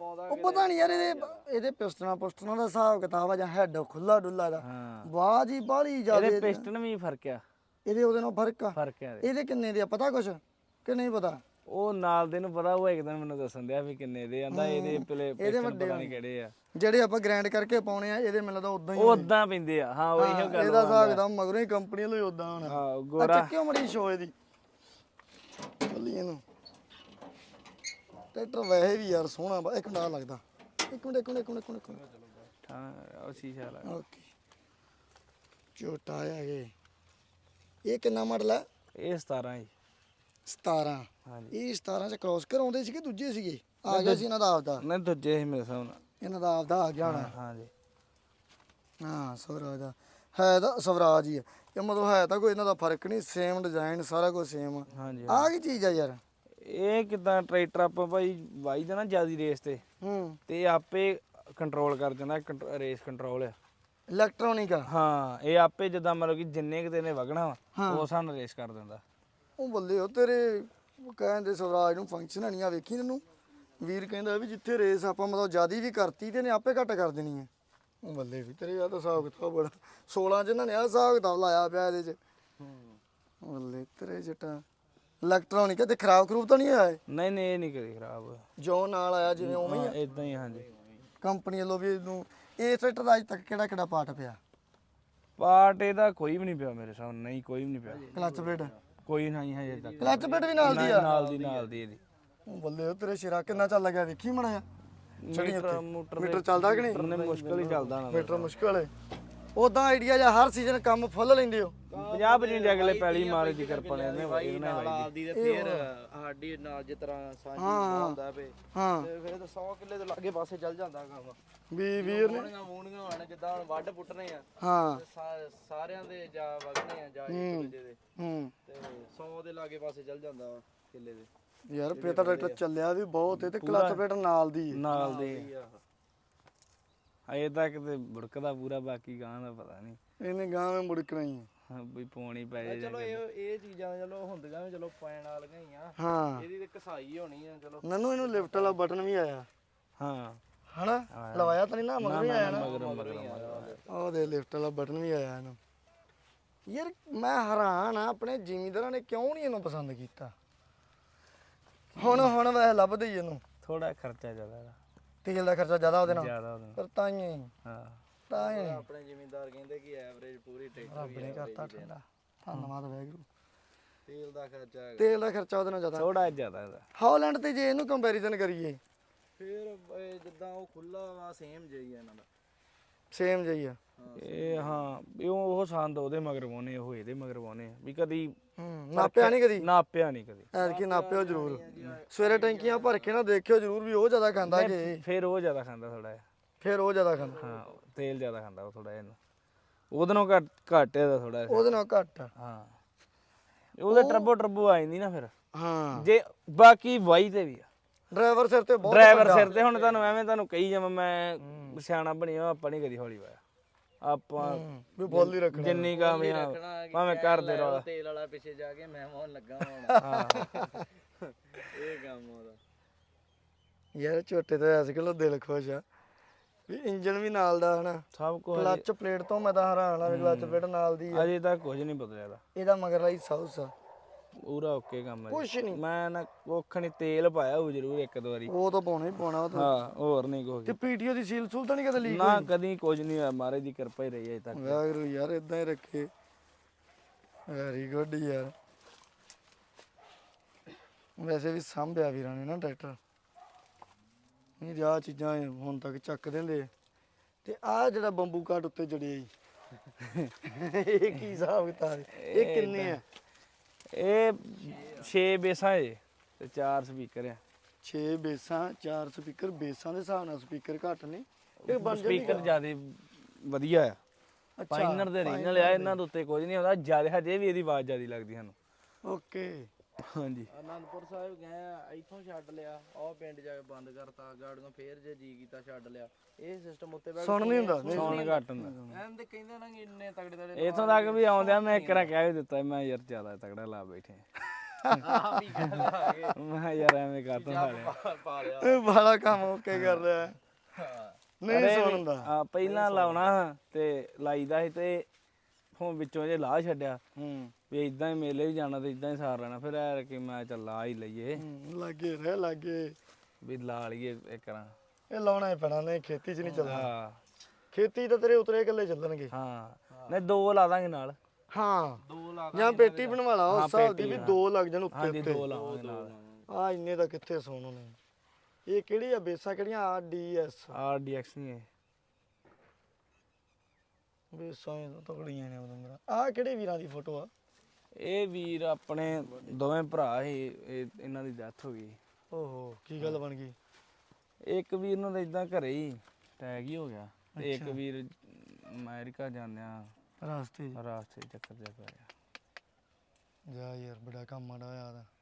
ਆਉਂਦਾ ਉਹ ਪਤਾ ਨਹੀਂ ਯਾਰ ਇਹਦੇ ਪਿਸਟਨਾਂ ਦਾ ਹਿਸਾਬ ਕਿਤਾਬ ਆ ਜਾਂ ਹੈਡ ਖੁੱਲਾ ਡੁੱਲਾ ਦਾ ਆਵਾਜ਼ ਹੀ ਬਾਹਲੀ ਜ਼ਿਆਦਾ ਇਹਦੇ ਪਿਸਟਨ ਵੀ ਫਰਕ ਆ ਇਹਦੇ ਉਹਦੇ ਨਾਲ ਫਰਕ ਆ ਫਰਕ ਆ ਇਹਦੇ। ਇਹਦੇ ਕਿੰਨੇ ਦੇ ਆ ਪਤਾ ਕੁਛ ਕਿ ਨਹੀਂ ਪਤਾ ਉਹ ਨਾਲ ਦੇ ਨੂੰ ਪਤਾ ਉਹ ਇੱਕ ਦਿਨ ਮੈਨੂੰ ਦੱਸਣ ਦਿਆ ਵੀ ਕਿੰਨੇ ਦੇ ਆਂਦਾ ਇਹਦੇ ਪਿਸਟਨ ਪਤਾ ਨਹੀਂ ਕਿਹੜੇ ਆ ਜਿਹੜੇ ਆਪਾਂ ਗ੍ਰਾਈਂਡ ਕਰਕੇ ਪਾਉਣੇ ਆ ਇਹਦੇ ਮੈਨੂੰ ਲੱਗਦਾ ਉਦਾਂ ਹੀ ਉਹ ਉਦਾਂ ਪੈਂਦੇ ਆ ਹਾਂ ਉਹੀ ਗੱਲ ਇਹਦਾ ਹਿਸਾਬ ਕਿਤਾਬ ਮਗਰੋਂ ਹੀ ਕੰਪਨੀ ਵੱਲੋਂ ਉਦਾਂ ਹੋਣਾ ਹਾਂ ਗੋਰਾ ਕਿਉਂ ਮੜੀ ਸ਼ੋਏ ਦੀ ਚੱਲੀ ਇਹਨੂੰ ਟਰੈਕਟਰ ਵੈਸੇ ਵੀ ਯਾਰ ਸੋਹਣਾ ਇੱਕ ਮਿੰਟ ਲੱਗਦਾ ਇੱਕ ਮਿੰਟ ਹਾਂ ਉਹ ਸ਼ੀਸ਼ਾ ਲਾ ਓਕੇ ਛੋਟਾ ਆ ਇਹ ਕਿੰਨਾ ਮਾਡਲ ਹੈ ਇਹ 17 ਜੀ 17 ਹਾਂਜੀ ਇਹ 17 ਚ ਕ੍ਰੋਸ ਕਰਾਉਂਦੇ ਸੀਗੇ ਦੂਜੇ ਸੀਗੇ ਆ ਗਿਆ ਸੀ ਇਹਨਾਂ ਦਾ ਆਪਦਾ ਨਹੀਂ ਦੂਜੇ ਸੀ ਮੇਰੇ ਹਿਸਾਬ ਨਾਲ ਇਹਨਾਂ ਦਾ ਆਪਦਾ ਆ ਗਿਆ ਹੋਣਾ ਹਾਂਜੀ ਹਾਂ ਸਵਰਾਜ ਦਾ ਹੈ ਤਾਂ ਸਵਰਾਜ ਹੀ ਹੈ ਇਹ ਮਤਲਬ ਹੈ ਤਾਂ ਕੋਈ ਇਹਨਾਂ ਦਾ ਫਰਕ ਨਹੀਂ ਸੇਮ ਡਿਜ਼ਾਈਨ ਸਾਰਾ ਕੁਝ ਸੇਮ ਹਾਂਜੀ ਆ ਕੀ ਚੀਜ਼ ਆ ਯਾਰ ਇਹ ਕਿਦਾਂ ਟਰੈਕਟਰ ਆਪਾਂ ਭਾਈ ਵਾਈ ਦਾ ਨਾ ਜਿਆਦੀ ਰੇਸ ਤੇ ਤੇ ਆਪੇ ਕੰਟਰੋਲ ਕਰ ਜਾਂਦਾ ਰੇਸ ਕੰਟਰੋਲ ਆ ਇਲੈਕਟ੍ਰੋਨਿਕ ਆ ਹਾਂ ਇਹ ਆਪੇ ਜਿੱਦਾਂ ਮਤਲਬ ਕਿ ਜਿੰਨੇ ਕਿਤੇ ਨੇ ਵਗਣਾ ਵਾ ਉਹ ਸਾਨੂੰ ਰੇਸ ਕਰ ਦਿੰਦਾ ਉਹ ਬੱਲੇ ਉਹ ਤੇਰੇ ਕਹਿੰਦੇ ਸਵਰਾਜ ਨੂੰ ਫੰਕਸ਼ਨ ਨਹੀਂ ਆ ਵੇਖੀ ਇਹਨੂੰ ਵੀਰ ਕਹਿੰਦਾ ਵੀ ਜਿੱਥੇ ਰੇਸ ਆਪਾਂ ਮਤਲਬ ਜਿਆਦੀ ਵੀ ਕਰਤੀ ਤੇ ਨੇ ਆਪੇ ਘੱਟ ਕਰ ਦੇਣੀ ਹੈ ਉਹ ਬੱਲੇ ਵੀ ਤੇਰੇ ਆ ਤਾਂ ਹਿਸਾਬ ਕਿਤਾਬ ਬੜਾ 16 ਚ ਇਹਨਾਂ ਨੇ ਆ ਹਿਸਾਬ ਕਿਤਾਬ ਲਾਇਆ ਪਿਆ ਇਹਦੇ ਚ ਬੱਲੇ ਤੇਰੇ ਜਟਾ ਇਲੈਕਟ੍ਰੋਨਿਕ ਤੇ ਖਰਾਬ ਖਰੂਬ ਤਾਂ ਨਹੀਂ ਆਇਆ ਨਹੀਂ ਨਹੀਂ ਇਹ ਨਹੀਂ ਕਦੇ ਖਰਾਬ ਜੋ ਨਾਲ ਆਇਆ ਜਿਵੇਂ ਉਵੇਂ ਹੀ ਆ ਇਦਾਂ ਹੀ ਹਾਂਜੀ ਕੰਪਨੀ ਵੱਲੋਂ ਵੀ ਇਹਨੂੰ ਇਹ ਟਰੈਕਟਰ ਦਾ ਅੱਜ ਤੱਕ ਕਿਹੜਾ ਪਾਰਟ ਪਿਆ ਪਾਰਟ ਇਹਦਾ ਕੋਈ ਵੀ ਨਹੀਂ ਪਿਆ ਮੇਰੇ ਸਾਹਮਣੇ ਨਹੀਂ ਕੋਈ ਵੀ ਨਹੀਂ ਪਿਆ ਕਲਚ ਪਲੇਟ ਕੋਈ ਨਹੀਂ ਹਜੇ ਤੱਕ ਕਲਚ ਪਲੇਟ ਵੀ ਨਾਲ ਦੀ ਆ ਨਾਲ ਦੀ ਇਹਦੀ ਉਹ ਬੱਲੇ ਉਹ ਤੇਰੇ ਸ਼ੇਰਾ ਕਿੰਨਾ ਚੱਲ ਲੱਗਿਆ ਵੇਖੀ ਮੜਾ ਮੋਟਰ ਮੀਟਰ ਚੱਲਦਾ ਕਿ ਨਹੀਂ ਨੇ ਮੁਸ਼ਕਲ ਹੀ ਚੱਲਦਾ ਨਾ ਮੀਟਰ ਮੁਸ਼ਕਲ ਹੈ ਉਦਾਂ ਆਈਡੀਆ ਜਾਂ ਹਰ ਸੀਜ਼ਨ ਕੰਮ ਫੁੱਲ ਲੈਂਦੇ ਹੋ 50 55 ਅਗਲੇ ਪੈਲੀ ਮਾਰੇ ਦੀ ਕਿਰਪਾ ਨੇ ਇਹਨੇ ਨਾਲ ਆਪਦੀ ਤੇ ਫੇਰ ਸਾਡੀ ਨਾਲ ਜਿਸ ਤਰ੍ਹਾਂ ਸਾਂਝੀ ਹੁੰਦਾ ਪਏ ਹਾਂ ਤੇ ਫਿਰ ਤਾਂ 100 ਕਿੱਲੇ ਤੋਂ ਲਾਗੇ ਪਾਸੇ ਚੱਲ ਜਾਂਦਾ ਕੰਮ ਵੀ ਵੀਰ ਨੇ ਮੂਣੀਆਂ ਹੋਣ ਜਿੱਦਾਂ ਹੁਣ ਵੱਢ ਪੁੱਟਣੇ ਆ ਹਾਂ ਸਾਰਿਆਂ ਦੇ ਜਾ ਵਗਣੇ ਆ ਜਾ ਇੱਕ ਦੂਜੇ ਦੇ ਤੇ 100 ਦੇ ਲਾਗੇ ਪਾਸੇ ਚੱਲ ਜਾਂਦਾ ਵਾ ਕਿੱਲੇ ਦੇ ਯਾਰ ਫੇਰ ਤਾਂ ਟਰੈਕਟਰ ਚੱਲਿਆ ਵੀ ਬਹੁਤ ਤੇ ਕਲਚ ਪਲੇਟ ਨਾਲ ਦੀ ਨਾਲ ਦੇ ਅਜੇ ਤੱਕ ਤੇ ਬੁੜਕਦਾ ਪੂਰਾ ਬਾਕੀ ਗਾਂ ਦਾ ਪਤਾ ਨਹੀਂ ਇਹਨੇ ਗਾਂ ਵਿੱਚ ਮੁੜਕਣਾ ਹੀ ਹਾਂ ਵੀ ਪੌਣੀ ਪੈ ਜਾਏ ਚਲੋ ਇਹ ਚੀਜ਼ਾਂ ਚਲੋ ਹੁੰਦੀਆਂ ਵੀ ਚਲੋ ਪੈਣ ਵਾਲੀਆਂ ਹੀ ਆ ਹਾਂ ਇਹਦੀ ਤੇ ਕਸਾਈ ਹੋਣੀ ਆ ਚਲੋ ਨਨੂ ਇਹਨੂੰ ਲਿਫਟ ਵਾਲਾ ਬਟਨ ਵੀ ਆਇਆ ਹਾਂ ਹਨਾ ਲਵਾਇਆ ਤਾਂ ਨਹੀਂ ਨਾ ਮਗਰ ਹੀ ਆਇਆ ਨਾ ਮਗਰ ਉਹ ਦੇ ਲਿਫਟ ਵਾਲਾ ਬਟਨ ਵੀ ਆਇਆ ਇਹਨੂੰ ਯਾਰ ਮੈਂ ਹੈਰਾਨ ਆ ਆਪਣੇ ਜ਼ਿਮੀਂਦਾਰਾਂ ਨੇ ਕਿਉਂ ਨਹੀਂ ਇਹਨੂੰ ਪਸੰਦ ਕੀਤਾ ਹੁਣ ਵੈਸੇ ਲੱਭਦੇ ਹੀ ਇਹਨੂੰ ਥੋੜਾ ਖਰਚਾ ਜ਼ਿਆਦਾ ਇਹਦਾ ਤੇਲ ਦਾ ਖਰਚਾ ਜ਼ਿਆਦਾ ਉਹਦੇ ਨਾਲ ਜ਼ਿਆਦਾ ਉਹਦਾ ਪਰ ਤਾਂ ਹੀ ਹਾਂ ਤਾਂ ਹੀ ਆਪਣੇ ਜ਼ਿਮੀਂਦਾਰ ਕਹਿੰਦੇ ਕਿ ਐਵਰੇਜ ਪੂਰੀ ਟਰੈਕਟਰ ਰੱਬ ਨੇ ਕਰਤਾ ਠੰਡਾ ਧੰਨਵਾਦ ਵੈਗਰੂ ਤੇਲ ਦਾ ਖਰਚਾ ਹੈਗਾ ਤੇਲ ਦਾ ਖਰਚਾ ਉਹਦੇ ਨਾਲ ਜ਼ਿਆਦਾ ਥੋੜਾ ਜ਼ਿਆਦਾ ਇਹਦਾ ਹਾਲੈਂਡ ਤੇ ਜੇ ਇਹਨੂੰ ਕੰਪੈਰੀਜ਼ਨ ਕਰੀਏ ਫਿਰ ਜਿੱਦਾਂ ਉਹ ਖੁੱਲਾ ਵਾ ਸੇਮ ਜਿਹੀ ਆ ਇਹਨਾਂ ਦਾ ਸੇਮ ਜਿਹੀ ਆ ਇਹ ਹਾਂ ਇਹ ਉਹ ਸੰਦ ਉਹਦੇ ਮਗਰ ਪਾਉਣੇ ਉਹ ਇਹਦੇ ਮਗਰ ਪਾਉਣੇ ਵੀ ਕਦੀ ਨਾਪਿਆ ਨਹੀਂ ਕਦੀ ਨਾਪਿਆ ਨਹੀਂ ਕਦੀ ਐਤਕੀ ਨਾਪਿਓ ਜ਼ਰੂਰ ਸਵੇਰੇ ਟੈਂਕੀਆਂ ਭਰ ਕੇ ਨਾ ਦੇਖਿਓ ਜ਼ਰੂਰ ਵੀ ਉਹ ਜ਼ਿਆਦਾ ਖਾਂਦਾ ਕਿ ਫਿਰ ਉਹ ਜ਼ਿਆਦਾ ਖਾਂਦਾ ਥੋੜਾ ਜਿਹਾ ਫਿਰ ਉਹ ਜ਼ਿਆਦਾ ਖਾਂਦਾ ਹਾਂ ਤੇਲ ਜ਼ਿਆਦਾ ਖਾਂਦਾ ਉਹ ਥੋੜਾ ਜਿਹਾ ਉਹਦੇ ਨਾਲ ਘੱਟ ਇਹਦਾ ਥੋੜਾ ਉਹਦੇ ਨਾਲ ਘੱਟ ਹਾਂ ਉਹਦੇ ਟਰਬੋ ਆ ਜਾਂਦੀ ਨਾ ਫਿਰ ਹਾਂ ਜੇ ਬਾਕੀ ਵਾਈ ਤੇ ਵੀ ਆ ਡਰਾਈਵਰ ਸਿਰ ਤੇ ਬਹੁਤ ਡਰਾਈਵਰ ਸਿਰ ਤੇ ਹੁਣ ਤੁਹਾਨੂੰ ਕਹੀ ਜਾਵਾਂ ਮੈਂ ਸਿਆਣਾ ਬਣਿਆ ਆਪਾਂ ਨਹੀਂ ਕਦੀ ਹੌਲੀ ਵਾਇਆ ਆਪਾਂ ਵੀ ਬੋਲ ਹੀ ਰੱਖਣਾ ਜਿੰਨੀ ਕਾਮਯਾਬ ਭਾਵੇਂ ਘਰ ਦੇ ਰੌਲਾ ਤੇਲ ਵਾਲਾ ਪਿੱਛੇ ਜਾ ਕੇ ਮੈਂ ਹੋਣ ਲੱਗਾ ਹੁਣ ਹਾਂ ਇਹ ਕੰਮ ਉਹਦਾ ਯਾਰ ਝੋਟੇ ਤੋਂ ਐਸ ਕਿਲੋ ਦਿਲ ਖੁਸ਼ ਆ ਵੀ ਇੰਜਨ ਵੀ ਨਾਲ ਦਾ ਹਨਾ ਸਭ ਕੁਝ ਕਲੱਚ ਪਲੇਟ ਤੋਂ ਮੈਂ ਤਾਂ ਹੈਰਾਨ ਆ ਵੀ ਕਲੱਚ ਪਲੇਟ ਨਾਲ ਦੀ ਆ। ਅਜੇ ਤੱਕ ਕੁਝ ਨਹੀਂ ਬਦਲਿਆ ਇਹਦਾ ਇਹਦਾ ਮਗਰ ਲਈ ਸਾਊਸ ਆ ਪੂਰਾ ਓਕੇ ਕੰਮ ਹੈ ਕੁਛ ਨਹੀਂ ਮੈਂ ਨਾ ਕੁੱਖ ਨਹੀਂ ਤੇਲ ਪਾਇਆ ਉਹ ਜ਼ਰੂਰ ਇੱਕ ਦੋ ਵਾਰੀ ਉਹ ਤਾਂ ਪਾਉਣਾ ਹੀ ਪਾਉਣਾ ਉਹ ਤਾਂ ਹਾਂ ਹੋਰ ਨਹੀਂ ਕੁਝ ਤੇ ਪੀਟੀਓ ਦੀ ਸੀਲ ਸੂਲ ਤਾਂ ਨਹੀਂ ਕਦੇ ਲੀਕ ਨਾ ਕਦੀ ਕੁਝ ਨਹੀਂ ਹੋਇਆ ਮਹਾਰਾਜ ਦੀ ਕਿਰਪਾ ਹੀ ਰਹੀ ਅਜੇ ਤੱਕ ਵਾਹਿਗੁਰੂ ਯਾਰ ਇਦਾਂ ਹੀ ਰੱਖੇ ਵੈਰੀ ਗੁੱਡ ਯਾਰ ਵੈਸੇ ਵੀ ਸੰਭਿਆ ਵੀਰਾਂ ਨੇ ਨਾ ਟਰੈਕਟਰ ਨਹੀਂ ਆਹ ਚੀਜ਼ਾਂ ਹੁਣ ਤੱਕ ਚੱਕ ਦਿੰਦੇ ਤੇ ਆਹ ਜਿਹੜਾ ਬੰਬੂ ਕਾਟ ਉੱਤੇ ਜੜਿਆ ਜੀ ਇਹ ਕੀ ਹਿਸਾਬ ਕਿਤਾਬ ਇਹ ਕਿੰਨੇ ਆ ਇਹ 6 ਬੇਸਾਂ ਏ ਤੇ 4 ਸਪੀਕਰ ਆ 6 ਬੇਸਾਂ 4 ਸਪੀਕਰ ਬੇਸਾਂ ਦੇ ਹਿਸਾਬ ਨਾਲ ਸਪੀਕਰ ਘੱਟ ਨੇ ਇਹ ਬਣ ਜਾਂਦੀ ਸਪੀਕਰ ਜਿਆਦਾ ਵਧੀਆ ਆ ਪਾਈਨਰ ਦੇ ਰੀਜਨਲ ਆ ਇਹਨਾਂ ਦੇ ਉੱਤੇ ਕੁਝ ਨਹੀਂ ਹੁੰਦਾ ਜਿਆਦਾ ਹਜੇ ਵੀ ਇਹਦੀ ਆਵਾਜ਼ ਜਿਆਦਾ ਲੱਗਦੀ ਸਾਨੂੰ ਓਕੇ ਹਾਂਜੀ ਅਨੰਦਪੁਰ ਸਾਹਿਬ ਗਏ ਆ ਇੱਥੋਂ ਛੱਡ ਲਿਆ ਉਹ ਪਿੰਡ ਜਾ ਕੇ ਬੰਦ ਕਰਤਾ ਗਾੜੀਆਂ ਫੇਰ ਜੇ ਜੀ ਕੀਤਾ ਛੱਡ ਲਿਆ ਇਹ ਸਿਸਟਮ ਉੱਤੇ ਬੈਠ ਸੁਣ ਨਹੀਂ ਹੁੰਦਾ ਸੌਣ ਘੱਟ ਹੁੰਦਾ ਐਂ ਤੇ ਕਹਿੰਦੇ ਨਾ ਕਿ ਇੰਨੇ ਤਗੜੇ ਤਗੜੇ ਇਥੋਂ ਤੱਕ ਵੀ ਆਉਂਦਿਆ ਮੈਂ ਇੱਕ ਰਾਂ ਕਹਿ ਵੀ ਦਿੱਤਾ ਮੈਂ ਯਾਰ ਜਿਆਦਾ ਤਗੜਾ ਲਾ ਬੈਠੇ ਆ ਵੀ ਕਹਿੰਦਾ ਮੈਂ ਕਿਹਾ ਯਾਰ ਐਵੇਂ ਕਾਤੋਂ ਖਾ ਲਿਆ ਪਾ ਲਿਆ ਇਹ ਬੜਾ ਕੰਮ ਓਕੇ ਕਰ ਰਿਹਾ ਹੈ। ਹਾਂ ਨਹੀਂ ਸੁਣ ਹੁੰਦਾ। ਆ ਪਹਿਲਾਂ ਲਾਉਣਾ ਤੇ ਲਾਈਦਾ ਸੀ ਤੇ ਹੁਣ ਵਿੱਚੋਂ ਜੇ ਲਾਹ ਛੱਡਿਆ ਵੀ ਇਦਾਂ ਹੀ ਮੇਲੇ ਵੀ ਜਾਣਾ ਤੇ ਇਦਾਂ ਹੀ ਸਾਰ ਲੈਣਾ ਫਿਰ ਐ ਕਿ ਮੈਂ ਚੱਲ ਲਾ ਹੀ ਲਈਏ ਲੱਗੇ ਰਹਿ ਲੱਗੇ ਵੀ ਲਾ ਲਈਏ ਇੱਕ ਰਾਂ ਇਹ ਲਾਉਣਾ ਹੀ ਪੈਣਾ, ਨਹੀਂ ਖੇਤੀ 'ਚ ਨਹੀਂ ਚੱਲਣਾ। ਹਾਂ ਖੇਤੀ ਤਾਂ ਤੇਰੇ ਉਤਰੇ ਇਕੱਲੇ ਚੱਲਣਗੇ। ਹਾਂ ਨਹੀਂ 2 ਲਾ ਦਾਂਗੇ ਨਾਲ ਹਾਂ 2 ਲੱਖ ਜਾਂ ਪੇਟੀ ਬਣਵਾ ਲਾ ਉਸ ਹਿਸਾਬ ਦੀ ਵੀ 2 ਲੱਗ ਜਾਣ ਉੱਤੇ ਹਾਂਜੀ ਉੱਤੇ। 2 ਲਾਵਾਂਗੇ ਨਾਲ ਆ ਇੰਨੇ ਦਾ ਕਿੱਥੇ ਸੋਣ ਨੇ। ਇਹ ਕਿਹੜੀ ਆ ਬੇਸਾਂ ਕਿਹੜੀਆਂ RDS RDX ਨਹੀਂ ਹੈ ਬੇਸਾਂ ਇਹ ਤਕੜੀਆਂ ਨੇ ਬਦੰਦਰਾ। ਆ ਕਿਹੜੇ ਵੀਰਾਂ ਦੀ ਫੋਟੋ ਆ? ਇਹ ਵੀਰ ਆਪਣੇ ਦੋਵੇਂ ਭਰਾ ਸੀ ਇਹਨਾਂ ਦੀ ਡੈਥ ਹੋ ਗਈ ਓਹੋ ਕੀ ਗੱਲ ਬਣ ਗਈ? ਇੱਕ ਵੀਰ ਨੂੰ ਤਾਂ ਇਦਾਂ ਘਰੇ ਹੀ ਟੈਗ ਹੀ ਹੋ ਗਿਆ ਤੇ ਇੱਕ ਵੀਰ ਅਮਰੀਕਾ ਜਾਂਦਿਆਂ ਰਾਸਤੇ 'ਚ ਰਾਸਤੇ 'ਚ ਚੱਕਰ ਜਿਹਾ ਪੈ ਗਿਆ। ਜਾ ਯਾਰ ਬੜਾ ਕੰਮ ਮਾੜਾ ਹੋਇਆ ਦਾ।